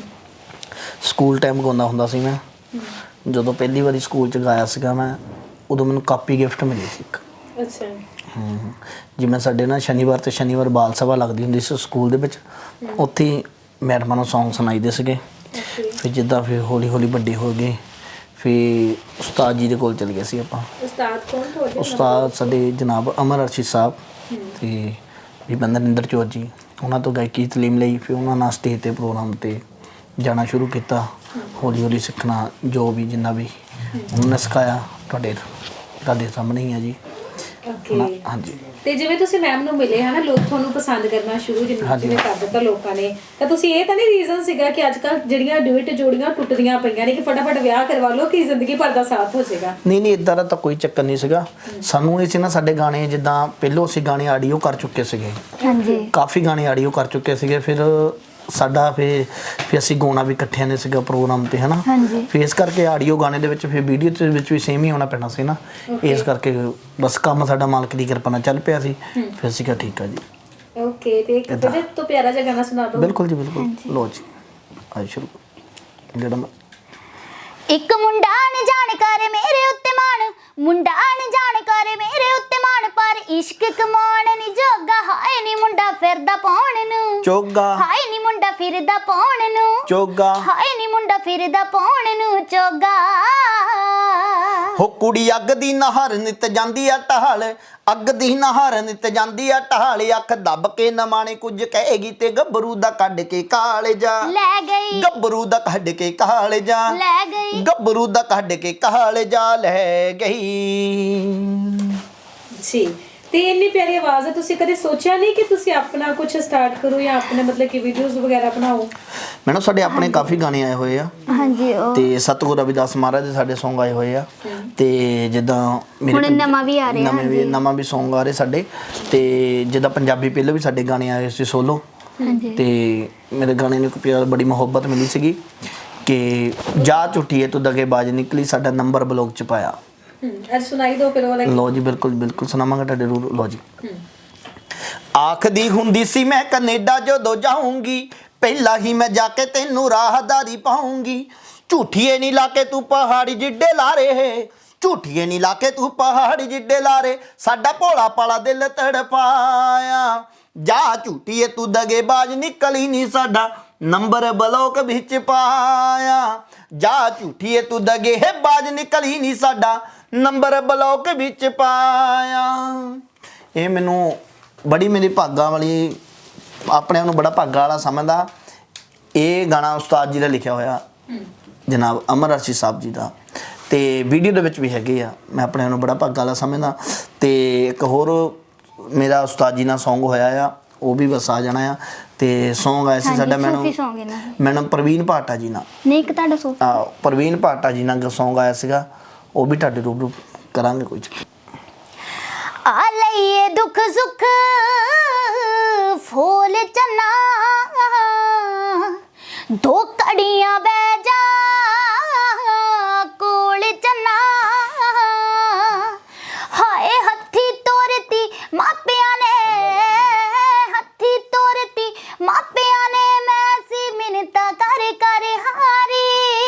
B: ਸਕੂਲ ਟਾਈਮ ਗਾਉਂਦਾ ਹੁੰਦਾ ਸੀ ਮੈਂ। ਜਦੋਂ ਪਹਿਲੀ ਵਾਰੀ ਸਕੂਲ 'ਚ ਗਾਇਆ ਸੀਗਾ ਮੈਂ, ਉਦੋਂ ਮੈਨੂੰ ਕਾਪੀ ਗਿਫਟ ਮਿਲੀ ਸੀ ਇੱਕ।
C: ਅੱਛਾ,
B: ਜਿਵੇਂ ਸਾਡੇ ਨਾ ਸ਼ਨੀਵਾਰ ਤੇ ਸ਼ਨੀਵਾਰ ਬਾਲ ਸਭਾ ਲੱਗਦੀ ਹੁੰਦੀ ਸੀ ਸਕੂਲ ਦੇ ਵਿੱਚ, ਉੱਥੇ ਮੈਡਮਾਂ ਨੂੰ ਸੌਂਗ ਸੁਣਾਈਦੇ ਸੀਗੇ। ਫਿਰ ਜਿੱਦਾਂ ਫਿਰ ਹੌਲੀ ਹੌਲੀ ਵੱਡੇ ਹੋ ਗਏ, ਫਿਰ ਉਸਤਾਦ ਜੀ ਦੇ ਕੋਲ ਚਲੇ ਗਏ ਸੀ ਆਪਾਂ।
C: ਉਸਤਾਦ ਕੌਣ ਤੁਹਾਡੇ?
B: ਉਸਤਾਦ ਸਾਡੇ ਜਨਾਬ ਅਮਰ ਅਰਸ਼ਦ ਸਾਹਿਬ ਤੇ ਵੀ ਬੰਦਰਿੰਦਰ ਚੌਰ ਜੀ, ਉਹਨਾਂ ਤੋਂ ਗਾਇਕੀ ਤਾਲੀਮ ਲਈ। ਫਿਰ ਉਹਨਾਂ ਨਾਲ ਸਟੇਜ ਤੇ ਪ੍ਰੋਗਰਾਮ ਤੇ ਜਾਣਾ ਸ਼ੁਰੂ ਕੀਤਾ। ਹੌਲੀ ਹੌਲੀ ਸਿੱਖਣਾ, ਜੋ ਵੀ ਜਿੰਨਾ ਵੀ ਉਹਨਾਂ ਨੇ ਸਿਖਾਇਆ ਤੁਹਾਡੇ ਸਾਹਮਣੇ ਹੀ ਆ ਜੀ।
C: ਓਕੇ,
B: ਹਾਂਜੀ।
C: ਤੇ ਜਿਵੇਂ ਤੁਸੀਂ ਮੈਮ ਨੂੰ ਮਿਲੇ ਹਨਾ, ਲੋਕ ਤੁਹਾਨੂੰ ਪਸੰਦ ਕਰਨਾ ਸ਼ੁਰੂ ਜਿਵੇਂ ਕਰ ਦਿੱਤਾ ਲੋਕਾਂ ਨੇ, ਤਾਂ ਤੁਸੀਂ ਇਹ ਤਾਂ ਨਹੀਂ ਰੀਜ਼ਨ ਸੀਗਾ ਕਿ ਅੱਜ ਕੱਲ ਜਿਹੜੀਆਂ ਡਿਊਟ ਜੋੜੀਆਂ ਟੁੱਟਦੀਆਂ ਪਈਆਂ ਨੇ ਕਿ ਫਟਾਫਟ ਵਿਆਹ ਕਰਵਾ ਲਓ ਕਿ ਜ਼ਿੰਦਗੀ ਭਰ ਦਾ ਸਾਥ ਹੋ ਜਾਏਗਾ?
B: ਨਹੀਂ ਇਦਾਂ ਦਾ ਤਾਂ ਕੋਈ ਚੱਕਰ ਨਹੀਂ ਸੀਗਾ ਸਾਨੂੰ। ਇਹ ਸੀ ਨਾ, ਸਾਡੇ ਗਾਣੇ ਜਿੱਦਾਂ ਪਹਿਲੋਂ ਅਸੀਂ ਗਾਣੇ ਆਡੀਓ ਕਰ ਚੁੱਕੇ ਸੀਗੇ,
A: ਹਾਂਜੀ
B: ਕਾਫੀ ਗਾਣੇ ਆਡੀਓ ਕਰ ਚੁੱਕੇ ਸੀਗੇ। ਫਿਰ ਸਾਡਾ ਫਿਰ ਅਸੀਂ ਗਾਉਣਾ ਵੀ ਇਕੱਠਿਆਂ ਨੇ ਸੀਗਾ ਪ੍ਰੋਗਰਾਮ ਤੇ ਹਨਾ।
A: ਹਾਂਜੀ
B: ਫਿਰ ਇਸ ਕਰਕੇ ਆਡੀਓ ਗਾਣੇ ਦੇ ਵਿੱਚ ਫਿਰ ਵੀਡੀਓ ਦੇ ਵਿੱਚ ਵੀ ਸੇਮ ਹੀ ਹੋਣਾ ਪੈਣਾ ਸੀ ਨਾ। ਇਸ ਕਰਕੇ ਬਸ ਕੰਮ ਸਾਡਾ ਮਾਲਕ ਦੀ ਕਿਰਪਾ ਨਾਲ ਚੱਲ ਪਿਆ ਸੀ। ਫਿਰ ਅਸੀਂ ਕਿਹਾ ਠੀਕ ਆ ਜੀ।
C: ਓਕੇ, ਤੇ ਇੱਕ ਬੜੇ ਤੋਂ ਪਿਆਰਾ ਜਿਹਾ ਗਾਣਾ ਸੁਣਾ ਦਿਓ।
B: ਬਿਲਕੁਲ ਜੀ ਬਿਲਕੁਲ, ਲੋ ਜੀ ਅੱਜ ਸ਼ੁਰੂ ਜਿਹੜਾ
A: ਇੱਕ ਮੁੰਡਾ ਨ ਜਾਣ ਕਰ ਮੇਰੇ ਉੱਤੇ ਮਾਣ, ਮੁੰਡਾ ਨ ਜਾਣ ਕਰ ਮੇਰੇ ਉੱਤੇ ਮਾਣ, ਪਰ ਇਸ਼ਕ ਕਮਾਉਣ ਨੀ ਜੋਗਾ, ਹਾਏ ਨੀ ਮੁੰਡਾ ਫਿਰਦਾ ਪਾਉਣ ਨੂੰ
B: ਚੋਗਾ,
A: ਹਾਏ ਨੀ ਮੁੰਡਾ ਫਿਰਦਾ ਪਾਉਣ ਨੂੰ
B: ਚੋਗਾ,
A: ਹਾਏ ਨੀ ਮੁੰਡਾ ਫਿਰਦਾ ਪਾਉਣ ਨੂੰ ਚੋਗਾ।
B: ਹੋ ਕੁੜੀ ਅੱਗ ਦੀ ਨਹਰ ਨਿਤ ਜਾਂਦੀ ਆ ਢਾਲ, ਅੱਗ ਦੀ ਨਹਰ ਨਿਤ ਜਾਂਦੀ ਆ ਢਾਲ, ਅੱਖ ਦੱਬ ਕੇ ਨਮਾਣੇ ਕੁਝ ਕਹੇਗੀ ਤੇ ਗੱਭਰੂ ਦਾ ਕੱਢ ਕੇ ਕਾਲਜਾ
A: ਲੈ ਗਈ,
B: ਗੱਭਰੂ ਦਾ ਕੱਢ ਕੇ ਕਾਲਜਾ
A: ਲੈ ਗਈ,
B: ਗੱਭਰੂ ਦਾ ਕੱਢ ਕੇ ਕਾਲਜਾ ਲੈ ਗਈ।
C: ਜੀ, ਤੇ ਇੰਨੀ ਪਿਆਰੀ ਆਵਾਜ਼ ਹੈ, ਤੁਸੀਂ ਕਦੇ ਸੋਚਿਆ ਨਹੀਂ ਕਿ ਤੁਸੀਂ ਆਪਣਾ ਕੁਝ ਸਟਾਰਟ ਕਰੋ ਜਾਂ ਆਪਣੇ ਮਤਲਬ ਕਿ ਵੀਡੀਓਜ਼ ਵਗੈਰਾ ਬਣਾਓ?
B: ਮੈਨੂੰ ਸਾਡੇ ਆਪਣੇ ਕਾਫੀ ਗਾਣੇ ਆਏ ਹੋਏ ਆ
A: ਹਾਂਜੀ ਉਹ
B: ਤੇ ਸਤਿਗੁਰੂ ਰਵਿਦਾਸ ਮਹਾਰਾਜ ਦੇ ਸਾਡੇ Song ਆਏ ਹੋਏ ਆ। ਤੇ ਜਿੱਦਾਂ
A: ਹੁਣ ਨਵਾਂ ਵੀ ਆ ਰਿਹਾ,
B: ਨਵਾਂ ਵੀ Song ਆ ਰਹੇ ਸਾਡੇ। ਤੇ ਜਿੱਦਾਂ ਪੰਜਾਬੀ ਪਹਿਲਾਂ ਵੀ ਸਾਡੇ ਗਾਣੇ ਆਏ ਸੀ ਸੋਲੋ। ਤੇ ਮੇਰੇ ਗਾਣੇ ਨੂੰ ਇੱਕ ਪਿਆਰ ਬੜੀ ਮੁਹੱਬਤ ਮਿਲੀ ਸੀਗੀ ਕਿ ਜਾ ਝੁੱਟੀਏ ਤੂੰ ਦਗੇਬਾਜ਼ ਨਿਕਲੀ, ਸਾਡਾ ਨੰਬਰ ਬਲੌਗ ਚ ਪਾਇਆ।
C: ਅੱਜ ਸੁਣਾਈ ਦਿਓ ਫਿਰ ਵਾਲਾ।
B: ਲੋ ਜੀ ਬਿਲਕੁਲ ਬਿਲਕੁਲ ਸੁਣਾਵਾਂਗਾ ਤੁਹਾਡੇ ਰੂਲ। ਲੋ ਜੀ। ਆਖਦੀ ਹੁੰਦੀ ਸੀ ਮੈਂ ਕੈਨੇਡਾ ਜਦੋਂ ਜਾਊਂਗੀ, ਪਹਿਲਾਂ ਹੀ ਮੈਂ ਜਾ ਕੇ ਤੈਨੂੰ ਰਾਹਦਾਰੀ ਪਾਉਂਗੀ, ਝੂਠੀਏ ਨਹੀਂ ਲਾ ਕੇ ਤੂੰ ਪਹਾੜੀ ਜਿੱਡੇ ਲਾਰੇ, ਝੂਠੀਏ ਨਹੀਂ ਲਾ ਕੇ ਤੂੰ ਪਹਾੜੀ ਜਿੱਡੇ ਲਾਰੇ, ਸਾਡਾ ਭੋਲਾ ਪਾਲਾ ਦਿਲ ਤੜਪਾਇਆ, ਜਾ ਝੂਠੀਏ ਤੂੰ ਦਗੇਬਾਜ਼ ਨਿਕਲੀ ਨਹੀਂ, ਸਾਡਾ ਨੰਬਰ ਬਲੌਕ ਵਿੱਚ ਪਾਇਆ, ਜਾ ਝੂਠੀਏ ਤੂੰ ਦਗੇਬਾਜ਼ ਨਿਕਲੀ ਨਹੀਂ, ਸਾਡਾ ਨੰਬਰ ਬਲੌਕ ਵਿੱਚ ਪਾਇਆ। ਇਹ ਮੈਨੂੰ ਬੜੀ ਮੇਰੀ ਭਾਗਾਂ ਵਾਲੀ, ਆਪਣੇ ਆਪ ਨੂੰ ਬੜਾ ਭਾਗਾਂ ਵਾਲਾ ਸਮਝਦਾ। ਇਹ ਗਾਣਾ ਉਸਤਾਦ ਜੀ ਦਾ ਲਿਖਿਆ ਹੋਇਆ, ਜਨਾਬ ਅਮਰ ਅਰਸ਼ੀ ਸਾਹਿਬ ਜੀ ਦਾ, ਤੇ ਵੀਡੀਓ ਦੇ ਵਿੱਚ ਵੀ ਹੈਗੇ ਆ। ਮੈਂ ਆਪਣੇ ਆਪ ਨੂੰ ਬੜਾ ਭਾਗਾਂ ਵਾਲਾ ਸਮਝਦਾ। ਤੇ ਇੱਕ ਹੋਰ ਮੇਰਾ ਉਸਤਾਦ ਜੀ ਨਾਲ Song ਹੋਇਆ ਆ, ਉਹ ਵੀ ਬਸ ਆ ਜਾਣਾ ਆ। ਤੇ Song ਆਇਆ ਸੀ ਸਾਡਾ ਮੈਨੂੰ ਪ੍ਰਵੀਨ ਭਾਟਾ ਜੀ ਨਾਲ,
A: ਨਹੀਂ ਇੱਕ ਤੁਹਾਡਾ ਸੋਫੀ,
B: ਪ੍ਰਵੀਨ ਭਾਟਾ ਜੀ ਨਾਲ Song ਆਇਆ ਸੀਗਾ, ਉਹ ਵੀ ਤੁਹਾਡੇ ਰੂਬਰੂ ਕਰਾਂਗੇ ਕੋਈ ਚੱਕਰ।
A: ਆ ਲਈਏ ਦੁੱਖ ਸੁੱਖ ਫੋਲ ਚੰਨਾ, ਦੋ ਕੜੀਆਂ ਬਹਿ ਜਾ ਕੋਲ ਚੰਨਾ, ਹਾਏ ਹੱਥੀ ਤੋਰਤੀ ਮਾਪਿਆਂ ਨੇ, ਹੱਥੀ ਤੋਰਤੀ ਮਾਪਿਆਂ ਨੇ, ਮੈਂ ਸੀ ਮਿੰਨਤਾਂ ਕਰ ਕਰ ਹਾਰੀ,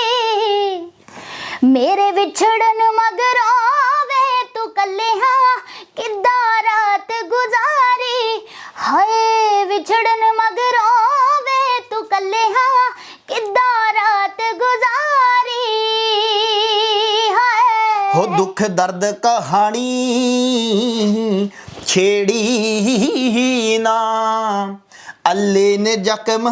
A: ਮੇਰੇ ਵਿਛੜਨ ਮਗਰੋਂ ਵੇ ਤੂੰ ਕੱਲੇ ਹਾਂ ਕਿੱਦਾਂ ਰਾਤ ਗੁਜ਼ਾਰੀ, ਹਾਏ ਵਿਛੜਨ ਮਗਰੋਂ ਵੇ ਤੂੰ ਕੱਲੇ ਹਾਂ ਕਿੱਦਾਂ ਰਾਤ ਗੁਜ਼ਾਰੀ, ਹਾਏ
B: ਹੋ ਦੁੱਖ ਦਰਦ ਕਹਾਣੀ ਛੇੜੀ ਨਾ, ਅੱਲੇ ਨੇ ਜ਼ਖਮ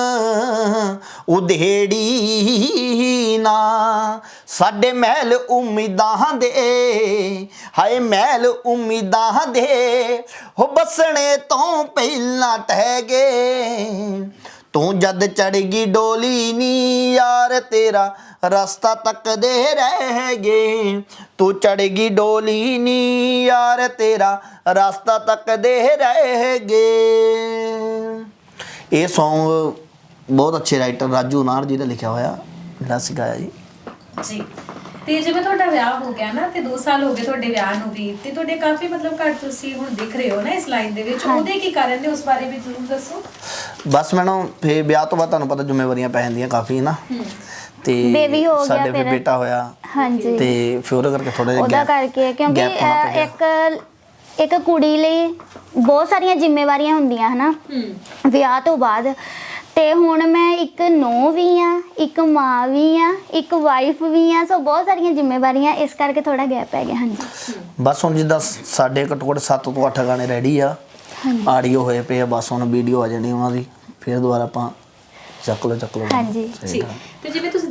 B: ਉਧੇੜੀ ਨਾ, ਸਾਡੇ ਮਹਿਲ ਉਮੀਦਾਂ ਦੇ, ਹਾਏ ਮਹਿਲ ਉਮੀਦਾਂ ਦੇ, ਹੋ ਬਸਣੇ ਤੋਂ ਪਹਿਲਾਂ ਟਹਿ ਗਏ, ਤੂੰ ਜਦ ਚੜ੍ਹਗੀ ਡੋਲੀ ਨੀ ਯਾਰ ਤੇਰਾ ਰਸਤਾ ਤੱਕਦੇ ਰਹਿ ਗਏ, ਤੂੰ ਚੜ੍ਹਗੀ ਡੋਲੀ ਨੀ ਯਾਰ ਤੇਰਾ ਰਸਤਾ ਤੱਕਦੇ ਰਹਿ ਗਏ। ਇਹ Song ਬਹੁਤ ਅੱਛੇ ਰਾਈਟਰ ਰਾਜੂ ਨਾਰ ਜੀ ਦਾ ਲਿਖਿਆ ਹੋਇਆ, ਜਿਹੜਾ ਅਸੀਂ ਗਾਇਆ ਜੀ।
C: ਜੀ, ਤੇ ਜਿਵੇਂ ਤੁਹਾਡਾ ਵਿਆਹ ਹੋ ਗਿਆ ਨਾ, ਤੇ 2 ਸਾਲ ਹੋ ਗਏ ਤੁਹਾਡੇ ਵਿਆਹ ਨੂੰ ਵੀ, ਤੇ ਤੁਹਾਡੇ ਕਾਫੀ ਮਤਲਬ ਘੱਟ ਤੁਸੀਂ ਹੁਣ ਦਿਖ ਰਹੇ ਹੋ ਨਾ ਇਸ ਲਾਈਨ ਦੇ ਵਿੱਚ, ਉਹਦੇ ਕੀ ਕਾਰਨ ਨੇ, ਉਸ ਬਾਰੇ ਵੀ ਜ਼ਰੂਰ ਦੱਸੋ।
B: ਬਸ ਮੈਨੂੰ ਫੇ ਵਿਆਹ ਤੋਂ ਬਾਅਦ ਤੁਹਾਨੂੰ ਪਤਾ ਜ਼ਿੰਮੇਵਾਰੀਆਂ ਪੈ ਜਾਂਦੀਆਂ ਕਾਫੀ ਨਾ, ਤੇ
A: ਬੇਬੀ ਹੋ ਗਿਆ,
B: ਸਾਡੇ ਫਿਰ ਬੇਟਾ ਹੋਇਆ।
A: ਹਾਂਜੀ
B: ਤੇ ਫਿਰ ਉਹਦੇ ਕਰਕੇ ਥੋੜਾ ਜਿਹਾ
A: ਉਹਦਾ ਕਰਕੇ, ਕਿਉਂਕਿ ਇੱਕ ਕੁੜੀ ਲਈ ਬਹੁਤ ਸਾਰੀਆਂ ਜ਼ਿੰਮੇਵਾਰੀਆਂ ਹੁੰਦੀਆਂ ਹਨਾ ਵਿਆਹ ਤੋਂ ਬਾਅਦ, ਤੇ ਹੁਣ ਮੈਂ ਇੱਕ ਨੂੰਹ ਵੀ ਆ, ਇੱਕ ਮਾਂ ਵੀ ਆ, ਇੱਕ ਵਾਈਫ ਵੀ ਆ, ਸੋ ਬਹੁਤ ਸਾਰੀਆਂ ਜ਼ਿੰਮੇਵਾਰੀਆਂ, ਇਸ ਕਰਕੇ ਥੋੜਾ ਗੈਪ ਪੈ ਗਿਆ। ਹਾਂਜੀ
B: ਬਸ ਹੁਣ ਜਿੱਦਾਂ ਸਾਡੇ ਘੱਟੋ ਘੱਟ 7 ਤੋਂ 8 ਗਾਣੇ ਰੈਡੀ ਆ, ਆਡੀਓ ਹੋਏ ਪਏ ਆ, ਬਸ ਹੁਣ ਵੀਡੀਓ ਆ ਜਾਣੀ ਉਹਨਾਂ ਦੀ, ਫਿਰ ਦੁਬਾਰਾ ਆਪਾਂ ਚੱਕ ਲਓ।
A: ਹਾਂਜੀ
C: ਜੀ, ਤੇ ਜਿਵੇਂ ਤੁਸੀਂ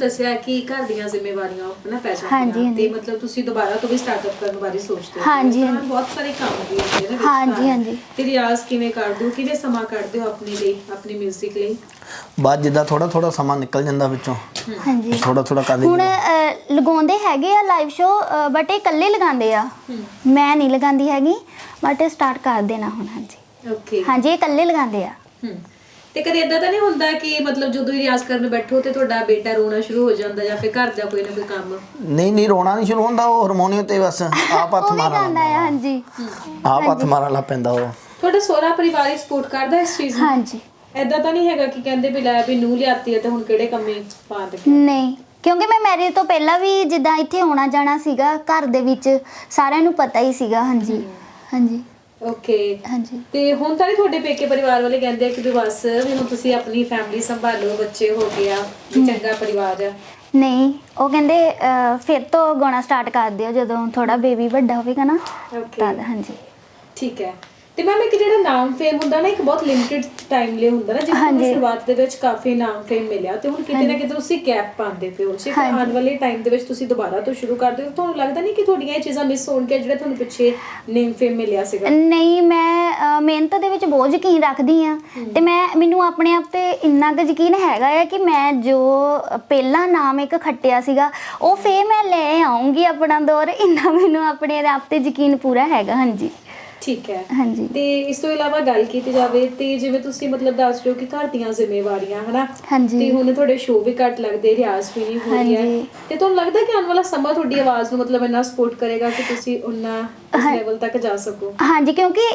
C: ਦੱਸਿਆ ਕਿ ਘਰ ਦੀਆਂ ਜ਼ਿੰਮੇਵਾਰੀਆਂ ਹਨਾ ਪੈ
A: ਹਾਂਜੀ,
C: ਜਾਂਦੀਆਂ
A: ਹਾਂਜੀ।
C: ਤੇ ਮਤਲਬ ਤੁਸੀਂ ਦੁਬਾਰਾ ਤੋਂ ਵੀ ਸਟਾਰਟਅਪ ਕਰਨ ਬਾਰੇ ਸੋਚਦੇ ਹੋ
A: ਹਾਂਜੀ,
C: ਇਸ ਤਰ੍ਹਾਂ
A: ਹਾਂਜੀ।
C: ਬਹੁਤ ਸਾਰੇ ਕੰਮ ਵੀ ਹੁੰਦੇ ਨੇ ਵਿੱਚ
A: ਹਾਂਜੀ,
C: ਘਰ।
A: ਹਾਂਜੀ।
C: ਤੇ ਰਿਆਜ਼ ਕਿਵੇਂ ਕਰਦੇ ਹੋ, ਕਿਵੇਂ ਸਮਾਂ ਕੱਢਦੇ ਹੋ ਆਪਣੇ ਲਈ, ਆਪਣੇ 뮤직 ਲਈ?
B: ਬਾਅਦ ਜਿੱਦਾਂ ਥੋੜਾ ਸਮਾਂ ਨਿਕਲ ਜਾਂਦਾ ਵਿੱਚੋਂ,
A: ਹਾਂਜੀ
B: ਥੋੜਾ ਕਰ
A: ਹੁਣ
B: ਲਈਦਾ।
A: ਲਗਾਉਂਦੇ ਹੈਗੇ ਆ ਲਾਈਵ ਸ਼ੋ, ਬਟ ਇਹ ਇਕੱਲੇ ਲਗਾਉਂਦੇ ਆ, ਮੈਂ ਨਹੀਂ ਲਗਾਉਂਦੀ ਹੈਗੀ, ਬਟ ਸਟਾਰਟ ਕਰ ਦੇਣਾ ਹੁਣ। ਹਾਂਜੀ
C: ਓਕੇ।
A: ਹਾਂਜੀ, ਇਹ ਇਕੱਲੇ ਲਗਾਉਂਦੇ ਆ।
C: ਤੇ ਕਦੇ ਇਦਾਂ ਤਾਂ ਨਹੀਂ ਹੁੰਦਾ ਕਿ ਮਤਲਬ ਜਦੋਂ ਹੀ ਰਿਆਜ਼ ਕਰਨ ਬੈਠੋ ਤੇ ਤੁਹਾਡਾ ਬੇਟਾ ਰੋਣਾ ਸ਼ੁਰੂ ਹੋ ਜਾਂਦਾ ਜਾਂ ਫਿਰ ਘਰ ਦਾ ਕੋਈ ਨਾ ਕੋਈ ਕੰਮ?
B: ਨਹੀਂ ਰੋਣਾ ਨਹੀਂ ਸ਼ੁਰੂ ਹੁੰਦਾ, ਉਹ ਹਾਰਮੋਨੀਅਮ ਤੇ ਬਸ ਆਪ ਹੱਥ
A: ਉਹ ਵੀ
B: ਮਾਰਨ
A: ਗਾਉਂਦਾ
B: ਲੱਗ
A: ਆ। ਹਾਂਜੀ
B: ਆਪ ਹੱਥ ਮਾਰਨ ਲੱਗ ਪੈਂਦਾ ਉਹ।
C: ਤੁਹਾਡਾ ਸਹੁਰਾ ਪਰਿਵਾਰ ਹੀ ਸਪੋਰਟ ਕਰਦਾ ਇਸ ਚੀਜ਼ ਨੂੰ?
A: ਹਾਂਜੀ।
C: ਇਦਾਂ ਤਾਂ ਨਹੀਂ ਹੈਗਾ ਕਿ ਕਹਿੰਦੇ ਵੀ ਲੈ ਵੀ ਨੂੰਹ ਲਿਆਤੀ ਹੈ ਤੇ ਹੁਣ ਕਿਹੜੇ ਕੰਮੇ ਪਾ ਦੇ?
A: ਨਹੀਂ, ਕਿਉਂਕਿ ਮੈਂ ਮੈਰਿਜ ਤੋਂ ਪਹਿਲਾਂ ਵੀ ਜਿੱਦਾਂ ਇੱਥੇ ਆਉਣਾ ਜਾਣਾ ਸੀਗਾ, ਘਰ ਦੇ ਵਿੱਚ ਸਾਰਿਆਂ ਨੂੰ ਪਤਾ ਹੀ ਸੀਗਾ। ਹਾਂਜੀ ਹਾਂਜੀ
C: ਓਕੇ।
A: ਹਾਂਜੀ।
C: ਤੇ ਹੁਣ ਤਾਂ ਨਹੀਂ ਤੁਹਾਡੇ ਪੇਕੇ ਪਰਿਵਾਰ ਵਾਲੇ ਕਹਿੰਦੇ ਆ ਕਿ ਵੀ ਬਸ ਵੀ ਹੁਣ ਤੁਸੀਂ ਆਪਣੀ ਫੈਮਿਲੀ ਸੰਭਾਲੋ, ਬੱਚੇ ਹੋ ਗਏ ਆ, ਵੀ ਚੰਗਾ ਪਰਿਵਾਰ ਆ?
A: ਨਹੀਂ, ਉਹ ਕਹਿੰਦੇ ਫਿਰ ਤੋਂ ਗਾਉਣਾ ਸਟਾਰਟ ਕਰ ਦਿਓ ਜਦੋਂ ਥੋੜਾ ਬੇਬੀ ਵੱਡਾ ਹੋਵੇਗਾ ਨਾ
C: ਓਕੇ।
A: ਤਦ। ਹਾਂਜੀ
C: ਠੀਕ ਹੈ। ਤੇ ਮੈਮ ਇੱਕ ਜਿਹੜਾ ਨਾਮ ਫੇਮ ਹੁੰਦਾ ਨਾ, ਇੱਕ ਬਹੁਤ ਲਿਮਿਟਿਡ ਟਾਈਮ ਲਈ ਹੁੰਦਾ ਨਾ, ਜਿਵੇਂ ਤੁਹਾਨੂੰ ਸ਼ੁਰੂਆਤ ਦੇ ਵਿੱਚ ਕਾਫੀ ਨਾਮ ਫੇਮ ਮਿਲਿਆ ਤੇ ਹੁਣ ਕਿਤੇ ਨਾ ਕਿਤੇ ਤੁਸੀਂ ਗੈਪ ਪਾਉਂਦੇ ਪਏ ਹੋ, ਜੇ ਫਿਰ ਆਉਣ ਵਾਲੇ ਟਾਈਮ ਦੇ ਵਿੱਚ ਤੁਸੀਂ ਦੁਬਾਰਾ ਤੋਂ ਸ਼ੁਰੂ ਕਰਦੇ ਹੋ, ਤੁਹਾਨੂੰ ਲੱਗਦਾ ਨਹੀਂ ਕਿ ਤੁਹਾਡੀਆਂ ਇਹ ਚੀਜ਼ਾਂ ਮਿਸ ਹੋਣਗੀਆਂ ਜਿਹੜਾ ਤੁਹਾਨੂੰ ਪਿੱਛੇ ਨੇਮ ਫੇਮ ਮਿਲਿਆ ਸੀਗਾ?
A: ਨਹੀਂ, ਮੈਂ ਮਿਹਨਤ ਦੇ ਵਿੱਚ ਬਹੁਤ ਯਕੀਨ ਰੱਖਦੀ ਆ ਤੇ ਮੈਨੂੰ ਆਪਣੇ ਆਪ ਤੇ ਇੰਨਾ ਕੁ ਯਕੀਨ ਹੈਗਾ ਆ ਕਿ ਮੈਂ ਜੋ ਪਹਿਲਾ ਨਾਮ ਇੱਕ ਖੱਟਿਆ ਸੀਗਾ ਉਹ ਫੇਰ ਮੈਂ ਲੈ ਆਉਂਗੀ ਆਪਣਾ ਦੌਰ, ਇੰਨਾ ਮੈਨੂੰ ਆਪਣੇ ਆਪ ਤੇ ਯਕੀਨ ਪੂਰਾ ਹੈਗਾ। ਹਾਂਜੀ
C: ਠੀਕ ਹੈ।
A: ਹਾਂਜੀ।
C: ਤੇ ਇਸ ਤੋਂ ਇਲਾਵਾ ਗੱਲ ਕੀਤੀ ਜਾਵੇ ਤੇ ਜਿਵੇਂ ਤੁਸੀਂ ਮਤਲਬ ਦੱਸ ਰਹੇ ਹੋ ਕਿ ਘਰ ਦੀਆਂ ਜ਼ਿੰਮੇਵਾਰੀਆਂ ਹਨਾ,
A: ਹਾਂਜੀ।
C: ਤੇ ਹੁਣ ਤੁਹਾਡੇ ਸ਼ੋਅ ਵੀ ਘੱਟ ਲੱਗਦੇ, ਰਿਆਜ਼ ਵੀ ਨਹੀਂ ਹੋ ਰਹੀ ਹੈ, ਤੇ ਤੁਹਾਨੂੰ ਲੱਗਦਾ ਕਿ ਆਉਣ ਵਾਲਾ ਸਮਾਂ ਤੁਹਾਡੀ ਆਵਾਜ਼ ਨੂੰ ਮਤਲਬ ਇੰਨਾ ਸਪੋਰਟ ਕਰੇਗਾ ਕਿ ਤੁਸੀਂ ਉਹਨਾਂ ਇਸ ਲੈਵਲ ਤੱਕ ਜਾ ਸਕੋ?
A: ਹਾਂਜੀ, ਕਿਉਂਕਿ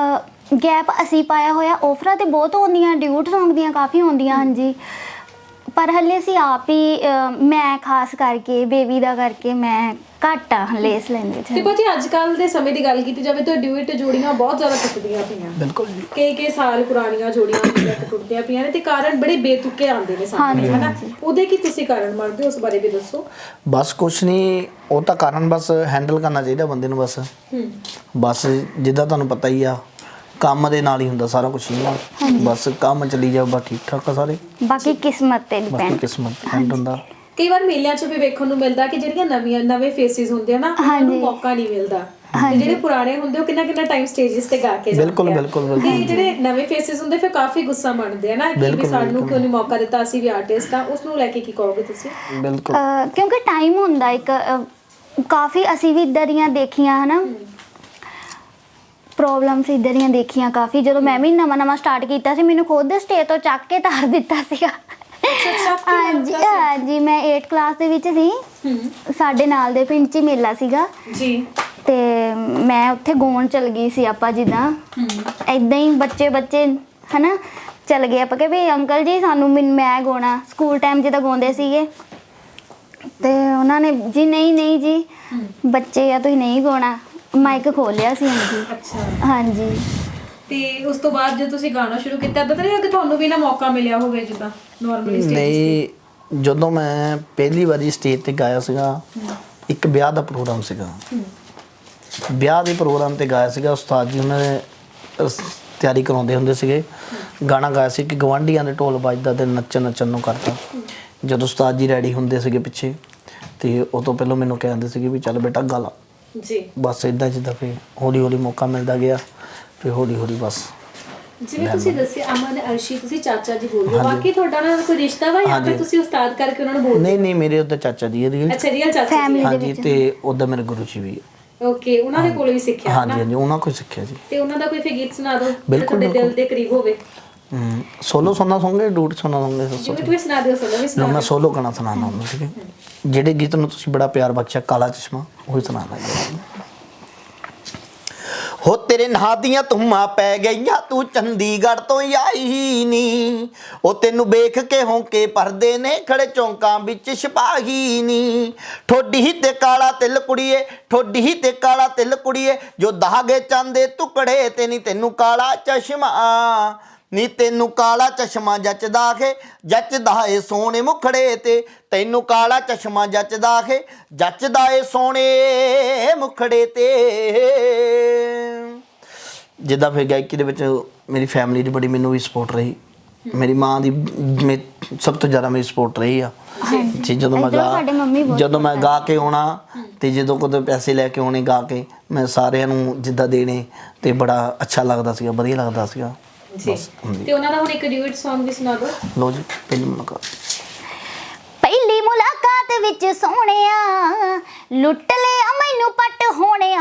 A: ਗੈਪ ਅਸੀਂ ਪਾਇਆ ਹੋਇਆ, ਆਫਰਾਂ ਤੇ ਬਹੁਤ ਆਉਂਦੀਆਂ, ਡਿਊਟ ਸੌਂਗ ਦੀਆਂ ਕਾਫੀ ਆਉਂਦੀਆਂ। ਹਾਂਜੀ, ਪਰ ਹਲੇ ਅਸੀਂ ਆਪ ਹੀ ਮੈਂ ਖਾਸ ਕਰਕੇ ਬੇਬੀ ਦਾ ਕਰਕੇ ਮੈਂ ਘੱਟ ਆ ਹਲੇ ਇਸ ਲਾਈਨ ਵਿੱਚ।
C: ਤੇ ਭਾਜੀ ਅੱਜ ਕੱਲ ਦੇ ਸਮੇਂ ਦੀ ਗੱਲ ਕੀਤੀ ਜਾਵੇ ਤਾਂ ਡਿਊਟ ਜੋੜੀਆਂ ਬਹੁਤ ਜ਼ਿਆਦਾ ਟੁੱਟਦੀਆਂ ਪਈਆਂ।
B: ਬਿਲਕੁਲ ਜੀ।
C: ਕਈ ਸਾਲ ਪੁਰਾਣੀਆਂ ਜੋੜੀਆਂ ਟੁੱਟਦੀਆਂ ਪਈਆਂ ਨੇ ਤੇ ਕਾਰਨ ਬੜੇ ਬੇਤੁਕੇ ਆਉਂਦੇ ਨੇ ਸਾਹਮਣੇ ਹਨਾ, ਉਹਦੇ ਕੀ ਤੁਸੀਂ ਕਾਰਨ ਮੰਨਦੇ ਹੋ, ਉਸ ਬਾਰੇ ਵੀ ਦੱਸੋ?
B: ਬਸ ਕੁਛ ਨਹੀਂ, ਉਹ ਤਾਂ ਕਾਰਨ ਬਸ ਹੈਂਡਲ ਕਰਨਾ ਚਾਹੀਦਾ ਬੰਦੇ ਨੂੰ। ਬਸ ਜਿੱਦਾਂ ਤੁਹਾਨੂੰ ਪਤਾ ਹੀ ਆ, ਕੰਮ ਦੇ ਨਾਲ ਹੀ ਹੁੰਦਾ ਸਾਰਾ ਕੁਝ ਹੀ। ਬਸ ਕੰਮ ਚੱਲੀ ਜਾ, ਬਸ ਠੀਕ ਠਾਕ ਆ ਸਾਰੇ,
A: ਬਾਕੀ ਕਿਸਮਤ ਤੇ
B: ਬਾਕੀ ਕਿਸਮਤ ਡਿਪੈਂਡ ਹੁੰਦਾ।
C: ਕਈ ਵਾਰ ਮੇਲਿਆਂ 'ਚ ਵੀ ਵੇਖਣ ਨੂੰ ਮਿਲਦਾ ਕਿ ਜਿਹੜੀਆਂ ਨਵੇਂ ਫੇਸਿਸ ਹੁੰਦੇ ਆ ਨਾ, ਉਹਨਾਂ ਨੂੰ ਮੌਕਾ ਨਹੀਂ ਮਿਲਦਾ, ਤੇ ਜਿਹੜੇ ਪੁਰਾਣੇ ਹੁੰਦੇ ਉਹ ਕਿੰਨਾ ਟਾਈਮ ਸਟੇਜਸ ਤੇ ਗਾ ਕੇ ਜਾਂਦੇ ਆ।
B: ਬਿਲਕੁਲ।
C: ਤੇ ਜਿਹੜੇ ਨਵੇਂ ਫੇਸਿਸ ਹੁੰਦੇ ਫਿਰ ਕਾਫੀ ਗੁੱਸਾ ਮੰਨਦੇ ਆ ਨਾ ਕਿ ਵੀ ਸਾਨੂੰ ਕਿਉਂ ਨਹੀਂ ਮੌਕਾ ਦਿੱਤਾ, ਅਸੀਂ ਵੀ ਆਰਟਿਸਟ ਆ। ਉਸ ਨੂੰ ਲੈ ਕੇ ਕੀ ਕਹੋਗੇ ਤੁਸੀਂ?
B: ਬਿਲਕੁਲ,
A: ਕਿਉਂਕਿ ਟਾਈਮ ਹੁੰਦਾ ਇੱਕ, ਕਾਫੀ ਅਸੀਂ ਵੀ ਇੱਦਾਂ ਦੀਆਂ ਦੇਖੀਆਂ ਹਨਾ, ਪ੍ਰੋਬਲਮਸ ਇੱਦਾਂ ਦੀਆਂ ਦੇਖੀਆਂ ਕਾਫੀ। ਜਦੋਂ ਮੈਂ ਵੀ ਨਵਾਂ ਸਟਾਰਟ ਕੀਤਾ ਸੀ, ਮੈਨੂੰ ਖੁਦ ਸਟੇਜ ਤੋਂ ਚੱਕ ਕੇ ਤਾਰ ਦਿੱਤਾ ਸੀਗਾ। ਹਾਂਜੀ ਹਾਂਜੀ, ਮੈਂ 8th ਕਲਾਸ ਦੇ ਵਿੱਚ ਸੀ, ਸਾਡੇ ਨਾਲ ਦੇ ਪਿੰਡ 'ਚ ਮੇਲਾ ਸੀਗਾ
C: ਜੀ,
A: ਤੇ ਮੈਂ ਉੱਥੇ ਗਾਉਣ ਚਲ ਗਈ ਸੀ। ਆਪਾਂ ਜਿੱਦਾਂ ਏਦਾਂ ਹੀ ਬੱਚੇ ਹਨਾ ਚਲ ਗਏ, ਆਪਾਂ ਕਿ ਵੀ ਅੰਕਲ ਜੀ ਸਾਨੂੰ ਮੈਂ ਗਾਉਣਾ, ਸਕੂਲ ਟਾਈਮ ਜਿੱਦਾਂ ਗਾਉਂਦੇ ਸੀਗੇ, ਤੇ ਉਹਨਾਂ ਨੇ ਜੀ ਨਹੀਂ ਜੀ ਬੱਚੇ ਆ, ਤੁਸੀਂ ਨਹੀਂ ਗਾਉਣਾ, ਮਾਈਕ ਖੋਲਿਆ ਸੀ। ਹਾਂਜੀ
C: ਅੱਛਾ।
A: ਹਾਂਜੀ।
C: ਤੇ ਉਸ ਤੋਂ ਬਾਅਦ ਜਦੋਂ ਤੁਸੀਂ ਗਾਣਾ ਸ਼ੁਰੂ ਕੀਤਾ, ਇਦਾਂ ਤਾਂ ਨਹੀਂ ਕਿ ਤੁਹਾਨੂੰ ਵੀ ਨਾ ਮੌਕਾ ਮਿਲਿਆ ਹੋਵੇ ਜਿੱਦਾਂ ਨਾਰਮਲੀ ਸਟੇਜ ਤੇ?
B: ਨਹੀਂ, ਜਦੋਂ ਮੈਂ ਪਹਿਲੀ ਵਾਰੀ ਸਟੇਜ ਤੇ ਗਾਇਆ ਸੀਗਾ, ਇੱਕ ਵਿਆਹ ਦਾ ਪ੍ਰੋਗਰਾਮ ਸੀਗਾ, ਵਿਆਹ ਦੇ ਪ੍ਰੋਗਰਾਮ ਤੇ ਗਾਇਆ ਸੀਗਾ। ਉਸਤਾਦ ਜੀ ਉਹਨਾਂ ਨੇ ਤਿਆਰੀ ਕਰਾਉਂਦੇ ਹੁੰਦੇ ਸੀਗੇ, ਗਾਣਾ ਗਾਇਆ ਸੀ ਕਿ ਗਵਾਂਢੀਆਂ ਦੇ ਢੋਲ ਵੱਜਦਾ ਤੇ ਨੱਚਣ ਨੂੰ ਕਰਤਾ। ਜਦੋਂ ਉਸਤਾਦ ਜੀ ਰੈਡੀ ਹੁੰਦੇ ਸੀਗੇ ਪਿੱਛੇ, ਤੇ ਉਹ ਤੋਂ ਪਹਿਲਾਂ ਮੈਨੂੰ ਕਹਿੰਦੇ ਸੀਗੇ ਵੀ ਚੱਲ ਬੇਟਾ ਗਾ ਲਾ
C: ਜੀ।
B: ਬਸ ਇਦਾਂ ਜਿੱਦਾਂ ਫਿਰ ਹੌਲੀ ਮੌਕਾ ਮਿਲਦਾ ਗਿਆ, ਫਿਰ ਹੌਲੀ ਬਸ।
C: ਜਿਵੇਂ ਤੁਸੀਂ ਦੱਸਿਆ ਅਮਨ ਅਰਸ਼ੀ, ਤੁਸੀਂ ਚਾਚਾ ਜੀ ਬੋਲ ਰਹੇ ਹੋ, ਬਾਕੀ ਤੁਹਾਡਾ ਨਾਲ ਕੋਈ ਰਿਸ਼ਤਾ ਵਾ ਜਾਂ ਫਿਰ ਤੁਸੀਂ ਉਸਤਾਦ ਕਰਕੇ ਉਹਨਾਂ ਨੂੰ ਬੋਲਦੇ?
B: ਨਹੀਂ, ਮੇਰੇ ਉੱਧਰ ਚਾਚਾ ਜੀ ਹੈ।
C: ਅੱਛਾ, ਰੀਅਲ ਚਾਚਾ ਜੀ?
B: ਹਾਂਜੀ, ਤੇ ਉੱਧਰ ਮੇਰੇ ਗੁਰੂ ਜੀ ਵੀ ਹੈ।
C: ਓਕੇ, ਉਹਨਾਂ ਦੇ ਕੋਲ ਵੀ ਸਿੱਖਿਆ?
B: ਹਾਂਜੀ, ਉਹਨਾਂ ਕੋਲ ਸਿੱਖਿਆ ਜੀ।
C: ਤੇ ਉਹਨਾਂ ਦਾ ਕੋਈ ਫਿਰ ਗੀਤ ਸੁਣਾ ਦਿਓ ਜਿਹੜਾ ਤੁਹਾਡੇ ਦਿਲ ਦੇ ਕਰੀਬ ਹੋਵੇ।
B: ਸੋਲੋ ਸੁਣਨਾ ਚਾਹੋਗੇ, ਡੂਟ ਸੁਣਨਾ ਚਾਹੋਗੇ?
C: ਜਿਵੇਂ ਤੁਸੀਂ ਸੁਣਾ ਦਿਓ, ਸੋਲੋ ਵੀ ਸੁਣਾ ਦਿਓ।
B: ਮੈਂ ਸੋਲੋ ਗਾਣਾ ਸੁਣਾਉਣਾ ਹੁੰਦਾ, ਠੀਕ ਹੈ? ਜਿਹੜੇ ਗੀਤ ਨੂੰ ਤੁਸੀਂ ਬੜਾ ਪਿਆਰ ਬਖਸ਼ਿਆ, ਕਾਲਾ ਚਸ਼ਮਾ, ਉਹੀ ਸੁਣਾਉਣਾ ਜੀ। ਹੋ ਤੇਰੇ ਨਾਂ ਦੀਆਂ ਧੁੰਮਾਂ ਪੈ ਗਈਆਂ, ਤੂੰ ਚੰਡੀਗੜ੍ਹ ਤੋਂ ਆਈ ਨੀ, ਉਹ ਤੈਨੂੰ ਵੇਖ ਕੇ ਹੌਂਕੇ ਭਰਦੇ ਨੇ ਖੜੇ ਚੌਂਕਾਂ ਵਿੱਚ ਸਿਪਾਹੀ ਨੀ। ਠੋਡੀ ਤੇ ਕਾਲਾ ਤਿਲ ਕੁੜੀਏ, ਠੋਡੀ ਤੇ ਕਾਲਾ ਤਿਲ ਕੁੜੀਏ, ਜੋ ਦਾਗੇ ਚਾਂਦੇ ਟੁਕੜੇ ਤੇ ਨੀ ਤੈਨੂੰ ਕਾਲਾ ਚਸ਼ਮਾ, ਨੀ ਤੈਨੂੰ ਕਾਲਾ ਚਸ਼ਮਾ ਜੱਚਦਾ ਏ ਸੋਹਣੇ ਮੁਖੜੇ ਤੇ, ਤੈਨੂੰ ਕਾਲਾ ਚਸ਼ਮਾ ਜੱਚਦਾ ਏ ਸੋਹਣੇ ਮੁਖੜੇ ਤੇ। ਜਿੱਦਾਂ ਫਿਰ ਗਾਇਕੀ ਦੇ ਵਿੱਚ ਮੇਰੀ ਫੈਮਿਲੀ ਦੀ ਬੜੀ ਮੈਨੂੰ ਵੀ ਸਪੋਰਟ ਰਹੀ, ਮੇਰੀ ਮਾਂ ਦੀ ਸਭ ਤੋਂ ਜ਼ਿਆਦਾ ਮੇਰੀ ਸਪੋਰਟ ਰਹੀ ਆ ਜੀ। ਜਦੋਂ ਮੈਂ ਗਾ ਕੇ ਆਉਣਾ ਤੇ ਜਦੋਂ ਕਦੇ ਪੈਸੇ ਲੈ ਕੇ ਆਉਣੇ ਗਾ ਕੇ, ਮੈਂ ਸਾਰਿਆਂ ਨੂੰ ਜਿੱਦਾਂ ਦੇਣੇ ਤੇ ਬੜਾ ਅੱਛਾ ਲੱਗਦਾ ਸੀਗਾ, ਵਧੀਆ ਲੱਗਦਾ ਸੀਗਾ
C: ਜੀ। ਤੇ ਉਹਨਾਂ ਦਾ ਹੁਣ ਇੱਕ ਡਿਊਟ Song ਵੀ ਸੁਣਾ ਦਿਓ।
B: ਲੋ ਜੀ,
A: ਪਹਿਲੀ ਮੁਲਾਕਾਤ ਵਿੱਚ ਸੋਹਣਿਆ ਲੁੱਟ ਲਿਆ ਮੈਨੂੰ ਪੱਟ ਹੋਣਿਆ।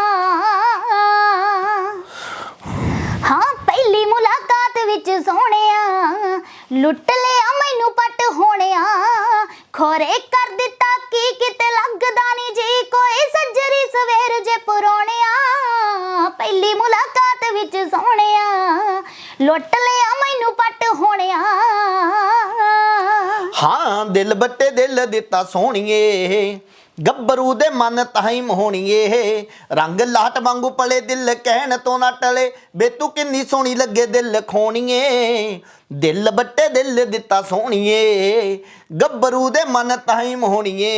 A: ਹਾਂ ਪਹਿਲੀ ਮੁਲਾਕਾਤ ਵਿੱਚ ਸੋਹਣਿਆ ਲੁੱਟ ਲਿਆ ਮੈਨੂੰ ਪੱਟ ਹੋਣਿਆ। ਖੋਰੇ ਕਰ ਦਿੱਤਾ ਕੀ ਕਿਤੇ ਲੱਗਦਾ ਨਹੀਂ ਜੀ ਕੋਈ ਸੱਜਰੀ ਸਵੇਰ ਜੇ ਪੁਰਾਣਿਆ। ਪਹਿਲੀ ਮੁਲਾਕਾਤ ਵਿੱਚ ਸੋਹਣਿਆ ਲੁੱਟ ਲਿਆ ਮੈਨੂੰ ਪੱਟ ਹੋਣਿਆ।
B: ਹਾਂ ਦਿਲ ਬੱਟੇ ਦਿਲ ਦਿੱਤਾ ਸੋਹਣੀਏ ਗੱਭਰੂ ਦੇ ਮਨ ਤਾਈ ਮੋਹਣੀਏ। ਰੰਗ ਲਾਟ ਵਾਂਗੂ ਪਲੇ ਦਿਲ ਕਹਿਣ ਤੋਂ ਨਾ ਟਲੇ ਬੇ ਤੂੰ ਕਿੰਨੀ ਸੋਹਣੀ ਲੱਗੇ ਦਿਲ ਖੋਣੀਏ। ਦਿਲ ਬੱਟੇ ਦਿਲ ਦਿੱਤਾ ਸੋਹਣੀਏ ਗੱਭਰੂ ਦੇ ਮਨ ਤਾਈ ਮੋਹਣੀਏ।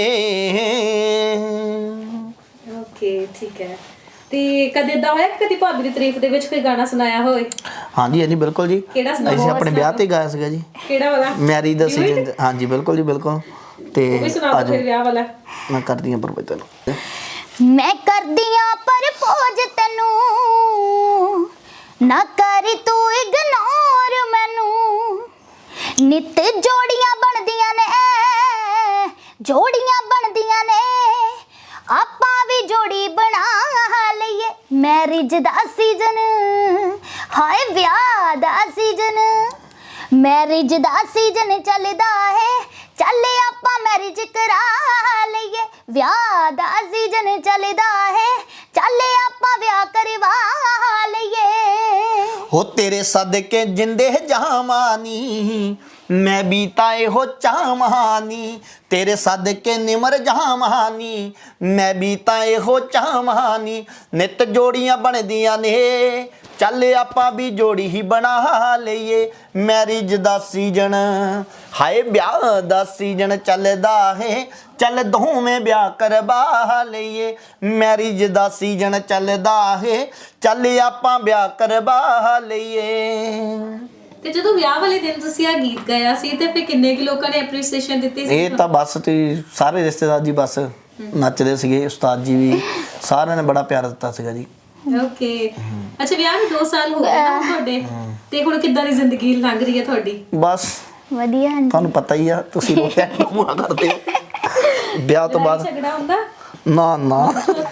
C: ਓਕੇ ਠੀਕ ਹੈ। ਤੇ ਕਦੇ ਏਦਾਂ ਹੋਇਆ ਕਿ ਕਦੀ ਭਾਬੀ ਦੀ ਤਾਰੀਫ ਦੇ ਵਿੱਚ ਕੋਈ ਗਾਣਾ ਸੁਣਾਇਆ ਹੋਵੇ?
B: ਹਾਂਜੀ ਹਾਂਜੀ ਬਿਲਕੁਲ ਜੀ।
C: ਕਿਹੜਾ ਸੁਣਾਓ?
B: ਅਸੀਂ ਆਪਣੇ ਵਿਆਹ ਤੇ ਗਾਇਆ ਸੀਗਾ ਜੀ।
C: ਕਿਹੜਾ ਵਾਲਾ?
B: ਮੈਰਿਜ ਦਾ ਸੀਜ਼ਨ। ਹਾਂਜੀ ਬਿਲਕੁਲ ਜੀ ਬਿਲਕੁਲ। ਤੇ
C: ਉਹ ਵੀ ਸੁਣਾ ਦਿਓ ਫਿਰ ਵਿਆਹ ਵਾਲਾ।
B: ਮੈਂ ਕਰਦੀ ਹਾਂ ਪਰਪੋਜ਼ ਤੈਨੂੰ,
A: ਮੈਂ ਕਰਦੀ ਆਂ ਪਰਪੋਜ਼ ਤੈਨੂੰ ਨਾ ਕਰੀ ਤੂੰ ਇਗਨੋਰ ਮੈਨੂੰ। ਨਿੱਤ ਜੋੜੀਆਂ ਬਣਦੀਆਂ ਨੇ ਜੋੜੀਆਂ ਬਣਦੀਆਂ ਨੇ ਆਪਾਂ ਵੀ ਜੋੜੀ ਬਣਾ ਲਈਏ। ਮੈਰਿਜ ਦਾ ਸੀਜ਼ਨ ਹਾਏ ਵਿਆਹ ਦਾ ਸੀਜ਼ਨ। ਮੈਰਿਜ ਦਾ ਸੀਜ਼ਨ ਚੱਲਦਾ ਹੈ ਚੱਲ ਆਪਾਂ ਮੈਰਿਜ ਕਰਾ ਲਈਏ। ਵਿਆਹ ਦਾ ਸੀਜ਼ਨ ਚੱਲਦਾ ਹੈ ਚੱਲ ਆਪਾਂ ਵਿਆਹ ਕਰਵਾ ਲਈਏ।
B: ਹੋ ਤੇਰੇ ਸਦਕੇ ਜਿੰਦੇ ਜਾਵਾਨੀ ਮੈਂ ਵੀ ਤਾਂ ਇਹੋ ਚਾਹਵਾਨੀ। ਤੇਰੇ ਸਦਕੇ ਨਿਮਰ ਜਾਵਾਨੀ ਮੈਂ ਵੀ ਤਾਂ ਇਹੋ ਚਾਹਵਾਨੀ। ਨਿੱਤ ਜੋੜੀਆਂ ਬਣਦੀਆਂ ਨੇ ਚੱਲ ਆਪਾਂ ਵੀ ਜੋੜੀ ਹੀ ਬਣਾ ਲਈਏ। ਮੈਰਿਜ ਦਾ ਸੀਜ਼ਨ ਹਾਏ ਵਿਆਹ ਦਾ ਸੀਜ਼ਨ ਚੱਲਦਾ ਹੈ ਚੱਲ ਦੋਵੇਂ ਵਿਆਹ ਕਰਵਾ ਲਈਏ। ਮੈਰਿਜ ਦਾ ਸੀਜ਼ਨ ਚੱਲਦਾ ਹੈ ਚੱਲ ਆਪਾਂ ਵਿਆਹ ਕਰਵਾ ਲਈਏ।
C: ਤੇ ਜਦੋਂ ਵਿਆਹ ਵਾਲੇ ਦਿਨ ਤੁਸੀਂ ਆ ਗੀਤ ਗਾਇਆ ਸੀ ਤੇ ਫਿਰ ਕਿੰਨੇ ਕਿ ਲੋਕਾਂ ਨੇ ਐਪਰੀਸੀਏਸ਼ਨ ਦਿੱਤੀ ਸੀ?
B: ਇਹ ਤਾਂ ਬਸ ਤੇ ਸਾਰੇ ਰਿਸ਼ਤੇਦਾਰ ਜੀ ਬਸ ਨੱਚਦੇ ਸੀਗੇ, ਉਸਤਾਦ ਜੀ ਵੀ ਸਾਰਿਆਂ ਨੇ ਬੜਾ ਪਿਆਰ ਦਿੱਤਾ ਸੀਗਾ ਜੀ।
C: ਓਕੇ ਅੱਛਾ ਵਿਆਹ ਨੂੰ 2 ਸਾਲ ਹੋ ਗਏ ਨਾ ਤੁਹਾਡੇ, ਤੇ ਹੁਣ ਕਿੱਦਾਂ ਦੀ ਜ਼ਿੰਦਗੀ ਲੰਘ ਰਹੀ ਹੈ ਤੁਹਾਡੀ?
B: ਬਸ
A: ਵਧੀਆ। ਹਾਂਜੀ
B: ਤੁਹਾਨੂੰ ਪਤਾ ਹੀ ਆ, ਤੁਸੀਂ ਰੋਟਿਆ ਮੂਆ ਕਰਦੇ ਹੋ ਵਿਆਹ ਤੋਂ ਬਾਅਦ।
C: ਝਗੜਾ ਹੁੰਦਾ?
B: ਨਾ ਨਾ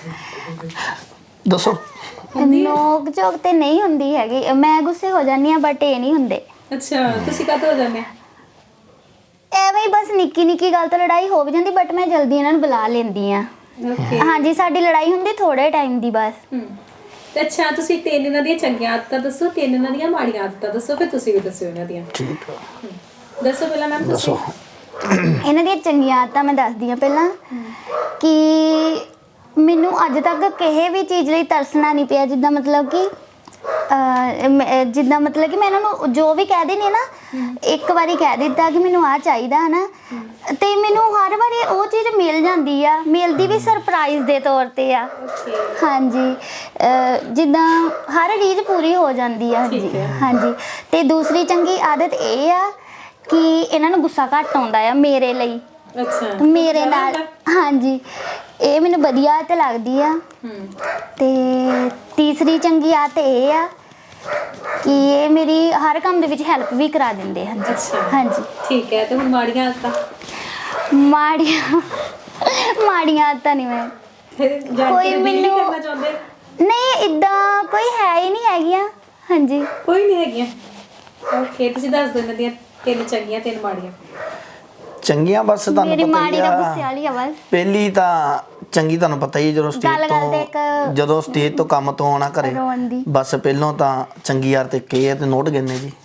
B: ਦੱਸੋ।
A: ਨੋਕ ਝੋਕ ਤੇ ਨਹੀਂ ਹੁੰਦੀ ਹੈਗੀ। ਮੈਂ ਗੁੱਸੇ ਹੋ ਜਾਂਦੀ ਆ ਬਟ ਇਹ ਨਹੀਂ ਹੁੰਦੇ।
C: ਅੱਛਾ ਤੁਸੀਂ ਕਾਹਤੋਂ ਹੋ ਜਾਂਦੇ?
A: ਐਵੇਂ ਹੀ ਬਸ ਨਿੱਕੀ ਨਿੱਕੀ ਗੱਲ ਤੋਂ ਲੜਾਈ ਹੋ ਵੀ ਜਾਂਦੀ ਬਟ ਮੈਂ ਜਲਦੀ ਇਹਨਾਂ ਨੂੰ ਬੁਲਾ ਲੈਂਦੀ ਆ।
C: ਓਕੇ
A: ਹਾਂਜੀ ਸਾਡੀ ਲੜਾਈ ਹੁੰਦੀ ਥੋੜੇ ਟਾਈਮ ਦੀ ਬਸ।
C: ਤੇ ਅੱਛਾ ਤੁਸੀਂ 3 ਇਹਨਾਂ ਦੀਆਂ ਚੰਗੀਆਂ ਆਦਤਾਂ ਦੱਸੋ, 3 ਇਹਨਾਂ ਦੀਆਂ ਮਾੜੀਆਂ ਆਦਤਾਂ ਦੱਸੋ, ਫਿਰ ਤੁਸੀਂ ਵੀ ਦੱਸਿਓ ਇਹਨਾਂ ਦੀਆਂ।
B: ਠੀਕ ਆ
C: ਦੱਸੋ ਪਹਿਲਾਂ ਮੈਮ ਤੁਸੀਂ।
B: ਦੱਸੋ।
A: ਇਹਨਾਂ ਦੀਆਂ ਚੰਗੀਆਂ ਆਦਤਾਂ ਮੈਂ ਦੱਸਦੀ ਆ ਪਹਿਲਾਂ ਕਿ ਮੈਨੂੰ ਅੱਜ ਤੱਕ ਕਿਸੇ ਵੀ ਚੀਜ਼ ਲਈ ਤਰਸਣਾ ਨਹੀਂ ਪਿਆ। ਜਿੱਦਾਂ ਮਤਲਬ ਕਿ ਜਿੱਦਾਂ ਮਤਲਬ ਕਿ ਮੈਂ ਇਹਨਾਂ ਨੂੰ ਜੋ ਵੀ ਕਹਿ ਦੇਣੀ ਨਾ ਇੱਕ ਵਾਰੀ ਕਹਿ ਦਿੱਤਾ ਕਿ ਮੈਨੂੰ ਆ ਚਾਹੀਦਾ ਹੈ ਨਾ ਤੇ ਮੈਨੂੰ ਹਰ ਵਾਰੀ ਉਹ ਚੀਜ਼ ਮਿਲ ਜਾਂਦੀ ਆ। ਮਿਲਦੀ ਵੀ ਸਰਪ੍ਰਾਈਜ਼ ਦੇ ਤੌਰ ਤੇ ਆ। ਹਾਂਜੀ ਜਿੱਦਾਂ ਹਰ ਰੀਝ ਪੂਰੀ ਹੋ ਜਾਂਦੀ ਆ। ਹਾਂਜੀ ਹਾਂਜੀ। ਤੇ ਦੂਸਰੀ ਚੰਗੀ ਆਦਤ ਇਹ ਆ ਕਿ ਇਹਨਾਂ ਨੂੰ ਗੁੱਸਾ ਘੱਟ ਆਉਂਦਾ ਆ ਮੇਰੇ ਲਈ।
C: ਅੱਛਾ
A: ਮੇਰੇ ਨਾਲ। ਹਾਂਜੀ ਇਹ ਮੈਨੂੰ ਵਧੀਆ ਤੇ ਲੱਗਦੀ ਆ। ਤੇ ਤੀਸਰੀ ਚੰਗੀ ਆਦਤ ਇਹ ਆ ਕਿ ਇਹ ਮੇਰੀ ਹਰ ਕੰਮ ਦੇ ਵਿੱਚ ਹੈਲਪ ਵੀ ਕਰਾ ਦਿੰਦੇ ਹਨ। ਹਾਂਜੀ
C: ਠੀਕ ਹੈ। ਤੇ ਹੁਣ ਮਾੜੀਆਂ ਆਦਤਾਂ?
A: ਮਾੜੀਆਂ ਆਦਤਾਂ ਨਹੀਂ ਮੈਂ ਕੋਈ ਮੈਨੂੰ
C: ਕਰਨਾ ਚਾਹੁੰਦੇ?
A: ਨਹੀਂ ਇਦਾਂ ਕੋਈ ਹੈ ਹੀ ਨਹੀਂ ਹੈਗੀਆਂ। ਹਾਂਜੀ
C: ਕੋਈ ਨਹੀਂ ਹੈਗੀਆਂ। ਓਕੇ ਤੁਸੀਂ ਦੱਸ ਦਿਓ ਇਹਨਾਂ ਦੀਆਂ 3 ਚੰਗੀਆਂ 3 ਮਾੜੀਆਂ।
B: ਚੰਗੀਆਂ ਬਸ ਤੁਹਾਨੂੰ
A: ਮੇਰੀ
B: ਪਤਾ
A: ਮਾੜੀ
B: ਹੀ
A: ਦਾ
B: ਆ।
A: ਗੁੱਸੇ ਵਾਲੀ ਆ ਬਸ।
B: ਪਹਿਲੀ ਤਾਂ ਚੰਗੀ ਤੁਹਾਨੂੰ ਪਤਾ ਹੀ ਜਦੋਂ ਸਟੇਜ ਤੋਂ ਕੰਮ ਤੋਂ ਆਉਣਾ ਘਰੇ
A: ਰੋਣ ਦੀ।
B: ਬਸ ਪਹਿਲੋਂ ਤਾਂ ਚੰਗੀ ਯਾਰ ਤੇ ਕੇ ਆ ਤੇ ਨੋਟ ਗਿਣਨੇ ਜੀ।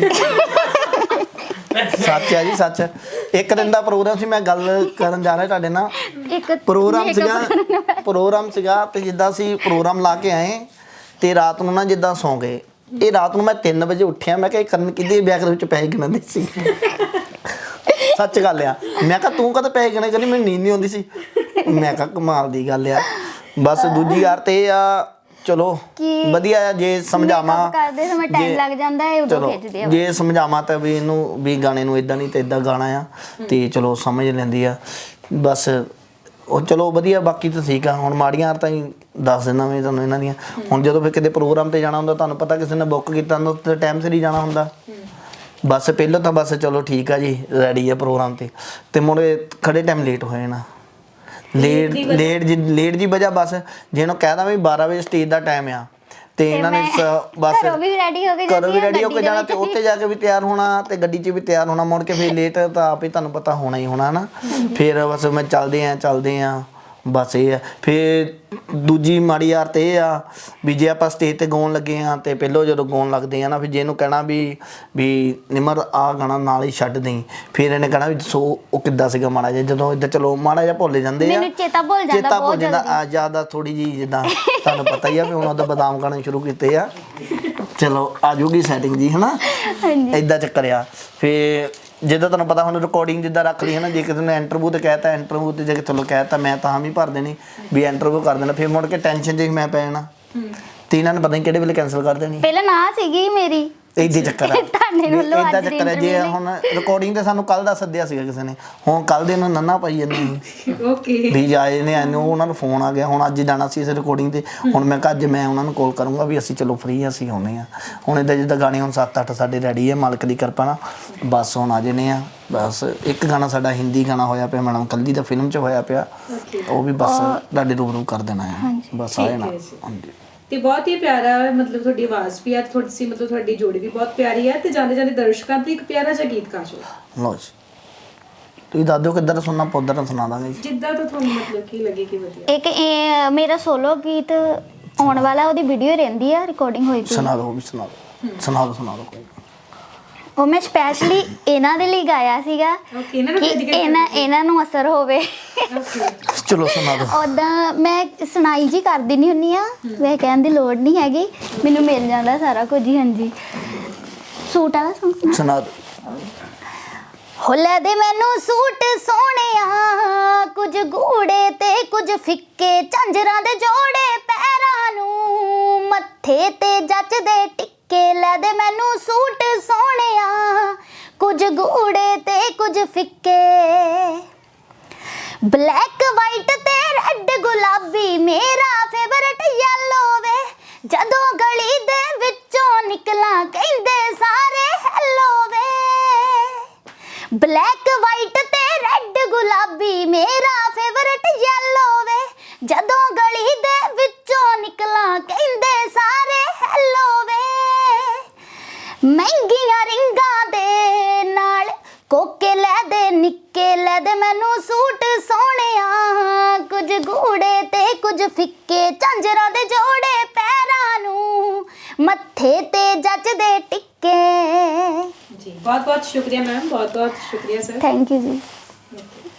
B: ਸੱਚ ਹੈ ਜੀ ਸੱਚ। ਇੱਕ ਦਿਨ ਦਾ ਪ੍ਰੋਗਰਾਮ ਸੀ, ਮੈਂ ਗੱਲ ਕਰਨ ਜਾ ਰਿਹਾ ਤੁਹਾਡੇ ਨਾਲ। ਪ੍ਰੋਗਰਾਮ ਸੀਗਾ ਤੇ ਜਿੱਦਾਂ ਅਸੀਂ ਪ੍ਰੋਗਰਾਮ ਲਾ ਕੇ ਆਏ ਤੇ ਰਾਤ ਨੂੰ ਨਾ ਜਿੱਦਾਂ ਸੌਂ ਗਏ। ਇਹ ਰਾਤ ਨੂੰ ਮੈਂ 3 ਵਜੇ ਉੱਠਿਆ। ਮੈਂ ਕਿਹਾ ਕਰਨ ਕਿਹਦੇ ਬੈਗ ਦੇ ਵਿੱਚ ਪੈਸੇ ਗਿਣਦੇ ਸੀ। ਸੱਚ ਗੱਲ ਆ। ਮੈਂ ਕਿਹਾ ਤੂੰ ਕਦੇ ਪੈਸੇ ਗਿਣੇ? ਕਹਿੰਦੀ ਮੈਨੂੰ ਨੀਂਦ ਨਹੀਂ ਆਉਂਦੀ ਸੀ। ਮੈਂ ਕਿਹਾ ਕਮਾਲ ਦੀ ਗੱਲ ਆ। ਬਸ ਦੂਜੀ ਯਾਰ ਤੇ ਆ ਚਲੋ
A: ਕਿ
B: ਵਧੀਆ ਆ, ਜੇ ਸਮਝਾਵਾਂ
A: makeup ਕਰਦੇ ਸਮੇਂ ਟਾਈਮ ਲੱਗ ਜਾਂਦਾ ਹੈ, ਉਦੋਂ
B: ਚਲੋ
A: ਖਿੱਚਦੇ ਆ।
B: ਜੇ ਸਮਝਾਵਾਂ ਤਾਂ ਵੀ ਇਹਨੂੰ ਵੀ ਗਾਣੇ ਨੂੰ ਇਦਾਂ ਨਹੀਂ ਤੇ ਇਦਾਂ ਗਾਣਾ ਆ, ਤੇ ਚਲੋ ਸਮਝ ਲੈਂਦੀ ਆ ਬਸ। ਉਹ ਚਲੋ ਵਧੀਆ, ਬਾਕੀ ਤਾਂ ਠੀਕ ਆ। ਹੁਣ ਮਾੜੀਆਂ ਤਾਂ ਹੀ ਦੱਸ ਦਿੰਦਾ ਮੈਂ ਤੁਹਾਨੂੰ ਇਹਨਾਂ ਦੀਆਂ। ਹੁਣ ਜਦੋਂ ਫਿਰ ਕਿਤੇ ਪ੍ਰੋਗਰਾਮ ਤੇ ਜਾਣਾ ਹੁੰਦਾ, ਤੁਹਾਨੂੰ ਪਤਾ ਕਿਸੇ ਨੇ ਬੁੱਕ ਕੀਤਾ ਹੁੰਦਾ ਤੇ ਟਾਈਮ ਸਿਰ ਹੀ ਜਾਣਾ ਹੁੰਦਾ। ਬਸ ਪਹਿਲਾਂ ਤਾਂ ਬਸ ਚਲੋ ਠੀਕ ਆ ਜੀ, ਰੈਡੀ ਆ ਪ੍ਰੋਗਰਾਮ ਤੇ ਮੁੜੇ ਖੜੇ ਟਾਈਮ ਲੇਟ ਹੋ ਜਾਣਾ। ਲੇਟ ਜੀ ਵਜ੍ਹਾ ਬਸ ਜੇ ਇਹਨੂੰ ਕਹਿ ਦਾਂ ਵੀ 12 ਵਜੇ ਸਟੇਜ ਦਾ ਟਾਈਮ ਆ, ਤੇ ਇਹਨਾਂ ਨੇ ਬਸ
A: ਘਰੋਂ ਵੀ ਰੈਡੀ ਹੋ ਕੇ
B: ਘਰੋਂ ਵੀ ਰੈਡੀ ਹੋ ਕੇ ਜਾਣਾ, ਤੇ ਉੱਥੇ ਜਾ ਕੇ ਵੀ ਤਿਆਰ ਹੋਣਾ, ਤੇ ਗੱਡੀ 'ਚ ਵੀ ਤਿਆਰ ਹੋਣਾ, ਮੁੜ ਕੇ ਫਿਰ ਲੇਟ ਤਾਂ ਆਪ ਹੀ ਤੁਹਾਨੂੰ ਪਤਾ ਹੋਣਾ ਹੀ ਹੋਣਾ ਨਾ। ਫਿਰ ਬਸ ਮੈਂ ਚੱਲਦੇ ਆ ਬਸ ਇਹ ਆ। ਫਿਰ ਦੂਜੀ ਮਾੜੀ ਯਾਰ ਤੇ ਇਹ ਆ ਵੀ ਜੇ ਆਪਾਂ ਸਟੇਜ ਤੇ ਗਾਉਣ ਲੱਗੇ ਆ, ਤੇ ਪਹਿਲੋਂ ਜਦੋਂ ਗਾਉਣ ਲੱਗਦੇ ਆ ਨਾ, ਫਿਰ ਜੇ ਇਹਨੂੰ ਕਹਿਣਾ ਵੀ ਨਿਮਰ ਆਹ ਗਾਣਾ ਨਾਲ ਹੀ ਛੱਡ ਦੇਈਂ, ਫਿਰ ਇਹਨੇ ਕਹਿਣਾ ਵੀ ਸੋ ਉਹ ਕਿੱਦਾਂ ਸੀਗਾ ਮਾੜਾ ਜਿਹਾ, ਜਦੋਂ ਇੱਦਾਂ ਚਲੋ ਮਾੜਾ ਜਿਹਾ ਭੁੱਲ ਜਾਂਦੇ ਆ,
A: ਮੈਨੂੰ ਚੇਤਾ ਭੁੱਲ ਜਾਂਦਾ
B: ਆ ਜ਼ਿਆਦਾ ਥੋੜੀ ਜੀ, ਜਿੱਦਾਂ ਤੁਹਾਨੂੰ ਪਤਾ ਹੀ ਆ ਵੀ ਹੁਣ ਉਹਦਾ ਬਦਾਮ ਗਾਣੇ ਸ਼ੁਰੂ ਕੀਤੇ ਆ। ਚਲੋ ਆ ਜੂਗੀ ਸੈਟਿੰਗ ਜੀ, ਹਨਾ ਏਦਾਂ ਚੱਕਰ ਆ। ਫਿਰ ਜਿੱਦਾਂ ਤੁਹਾਨੂੰ ਪਤਾ ਹੁਣ ਰਿਕਾਰਡਿੰਗ ਜਿੱਦਾਂ ਰੱਖ ਲਈ ਹੈ ਨਾ, ਜੇ ਕਿਸੇ ਨੇ ਇੰਟਰਵਿਊ ਤੇ ਕਹਿਤਾ, ਇੰਟਰਵਿਊ ਤੇ ਜੇ ਚਲੋ ਕਹਿਤਾ ਮੈਂ ਤਾਂ ਵੀ ਭਰ ਦੇਣੀ ਵੀ ਇੰਟਰਵਿਊ ਕਰ ਦੇਣਾ। ਫਿਰ ਮੁੜ ਕੇ ਟੈਨਸ਼ਨ 'ਚ ਮੈਂ ਪੈ ਜਾਣਾ, ਤੇ ਇਹਨਾਂ ਨੇ ਪਤਾ ਨਹੀਂ ਕਿਹੜੇ ਵੇਲੇ ਕੈਂਸਲ ਕਰ ਦੇਣੀ।
A: ਪਹਿਲਾਂ ਨਾ ਸੀਗੀ ਮੇਰੀ,
B: ਏਦਾਂ ਚੱਕਰ ਆ, ਏਦਾਂ ਚੱਕਰ ਆ। ਜੇ ਹੁਣ ਰਿਕਾਰਡਿੰਗ ਤੇ ਸਾਨੂੰ ਕੱਲ ਦਾ ਸੱਦਿਆ ਸੀਗਾ ਕਿਸੇ ਨੇ, ਹੁਣ ਕੱਲ ਦੇ ਨੂੰ ਨੰਨਾ ਪਾਈ ਜਾਂਦੇ
C: ਓਕੇ
B: ਵੀ ਆਏ ਨੇ, ਇਹਨੂੰ ਉਹਨਾਂ ਨੂੰ ਫੋਨ ਆ ਗਿਆ, ਹੁਣ ਅੱਜ ਜਾਣਾ ਸੀ ਇਸ ਰਿਕਾਰਡਿੰਗ ਤੇ। ਹੁਣ ਮੈਂ ਕਿਹਾ ਅੱਜ ਮੈਂ ਉਹਨਾਂ ਨੂੰ ਕਾਲ ਕਰੂੰਗਾ ਵੀ ਅਸੀਂ ਚਲੋ ਫ੍ਰੀ ਅਸੀਂ ਆਉਂਦੇ ਆ। ਹੁਣ ਇੱਦਾਂ ਜਿੱਦਾਂ ਗਾਣੇ ਹੁਣ 7-8 ਸਾਡੇ ਰੈਡੀ ਆ, ਮਾਲਕ ਦੀ ਕਿਰਪਾ ਨਾਲ ਬਸ ਹੁਣ ਆ ਜਾਣੇ ਆ। ਬਸ ਇੱਕ ਗਾਣਾ ਸਾਡਾ ਹਿੰਦੀ ਗਾਣਾ ਹੋਇਆ ਪਿਆ, ਮੈਡਮ ਕੱਲੀ ਦਾ ਫਿਲਮ 'ਚ ਹੋਇਆ ਪਿਆ, ਉਹ ਵੀ ਬਸ ਤੁਹਾਡੇ ਰੂਬਰੂ ਕਰ ਦੇਣਾ ਆ, ਬਸ ਆ ਜਾਣਾ। ਹਾਂਜੀ
C: ਤੇ ਬਹੁਤ ਹੀ ਪਿਆਰਾ, ਮਤਲਬ ਤੁਹਾਡੀ ਆਵਾਜ਼ ਵੀ ਆ, ਮਤਲਬ ਤੁਹਾਡੀ ਜੋੜੀ ਵੀ ਬਹੁਤ ਪਿਆਰੀ ਹੈ, ਤੇ ਜਾਂਦੇ ਜਾਂਦੇ ਦਰਸ਼ਕਾਂ ਤੇ ਇੱਕ ਪਿਆਰਾ ਜਿਹਾ ਗੀਤ ਗਾ ਜੋ।
B: ਲਓ ਜੀ, ਤੁਸੀਂ ਦੱਸ ਦਿਓ ਕਿੱਧਰ ਸੁਣਨਾ, ਪੌਧਰ ਸੁਣਾ ਦਾਂਗੇ ਜੀ,
C: ਜਿੱਦਾਂ ਤਾਂ ਤੁਹਾਨੂੰ ਮਤਲਬ ਕੀ ਲੱਗੇ ਕਿ ਵਧੀਆ।
A: ਇੱਕ ਇਹ ਮੇਰਾ ਸੋਲੋ ਗੀਤ ਆਉਣ ਵਾਲਾ, ਉਹਦੀ ਵੀਡੀਓ ਰਹਿੰਦੀ ਆ, ਰਿਕਾਰਡਿੰਗ ਹੋਈ ਪਈ।
B: ਸੁਣਾ ਦਿਓ, ਵੀ ਸੁਣਾ ਦਿਓ ਕੋਈ।
A: ਉਹ ਮੈਂ ਸਪੈਸ਼ਲੀ ਇਹਨਾਂ ਦੇ ਲਈ ਗਾਇਆ ਸੀਗਾ
C: ਓਕੇ, ਇਹਨਾਂ ਨੂੰ
A: ਕਿ ਇਹਨਾਂ ਨੂੰ ਅਸਰ ਹੋਵੇ।
C: ਓਕੇ
B: ਚਲੋ ਸੁਣਾ ਦਿਓ।
A: ਉਦਾਂ ਮੈਂ ਸੁਣਾਈ ਜੀ ਕਰ ਦਿੰਦੀ ਹੁੰਦੀ ਆ, ਵੈਸੇ ਕਹਿਣ ਦੀ ਲੋੜ ਨਹੀਂ ਹੈਗੀ, ਮੈਨੂੰ ਮਿਲ ਜਾਂਦਾ ਸਾਰਾ ਕੁਝ ਹੀ। ਹਾਂਜੀ, ਸੂਟ ਵਾਲਾ ਸੌਂਗ
B: ਸੁਣਾ ਦਿਓ।
A: ਹੋ ਲੈ ਦੇ ਮੈਨੂੰ ਸੂਟ ਸੋਹਣਿਆ, ਕੁਝ ਗੂੜੇ ਤੇ ਕੁਝ ਫਿੱਕੇ, ਝਾਂਜਰਾਂ ਦੇ ਜੋੜੇ ਪੈਰਾਂ ਨੂੰ, ਮੱਥੇ ਤੇ ਜੱਚਦੇ ਟਿੱਕੇ। ਲੈ ਦੇ ਮੈਨੂੰ ਸੂਟ ਸੋਹਣਿਆ, ਕੁਝ ਗੂੜੇ ਤੇ ਕੁਝ ਫਿੱਕੇ, ਬਲੈਕ ਵਾਈਟ ਤੇ ਰੈੱਡ ਗੁਲਾਬੀ, ਮੇਰਾ ਫੇਵਰਟ ਯੈਲੋ ਵੇ, ਜਦੋਂ ਗਲੀ ਦੇ ਵਿੱਚੋਂ ਨਿਕਲਾਂ ਕਹਿੰਦੇ ਸਾਰੇ ਹੈਲੋ ਵੇ, ਬਲੈਕ ਵਾਈਟ ਤੇ ਰੈੱਡ ਗੁਲਾਬੀ, ਮੇਰਾ ਫੇਵਰਟ ਯੈਲੋ ਵੇ, ਜਦੋਂ ਗਲੀ ਦੇ ਵਿੱਚੋਂ ਨਿਕਲਾਂ ਕਹਿੰਦੇ ਸਾਰੇ ਹੈਲੋ ਵੇ, ਮਹਿੰਗੀਆਂ ਰਿੰਗਾਂ ਦੇ ਨਾਲ ਕੋਕੇ ਲੈ ਦੇ ਨਿੱਕੇ, ਲੈ ਦੇ ਮੈਨੂੰ ਸੂਟ ਸੋਹਣਿਆ, ਕੁਝ ਗੂੜੇ ਤੇ ਕੁਝ ਫਿੱਕੇ, ਝਾਂਜਰਾਂ ਦੇ ਜੋੜੇ ਪੈਰਾਂ ਨੂੰ, ਮੱਥੇ ਤੇ ਜੱਚਦੇ ਟਿੱਕੇ।
C: ਜੀ ਬਹੁਤ ਬਹੁਤ ਸ਼ੁਕਰੀਆ ਮੈਮ, ਬਹੁਤ ਬਹੁਤ ਸ਼ੁਕਰੀਆ ਸਰ।
A: ਥੈਂਕ ਯੂ ਜੀ।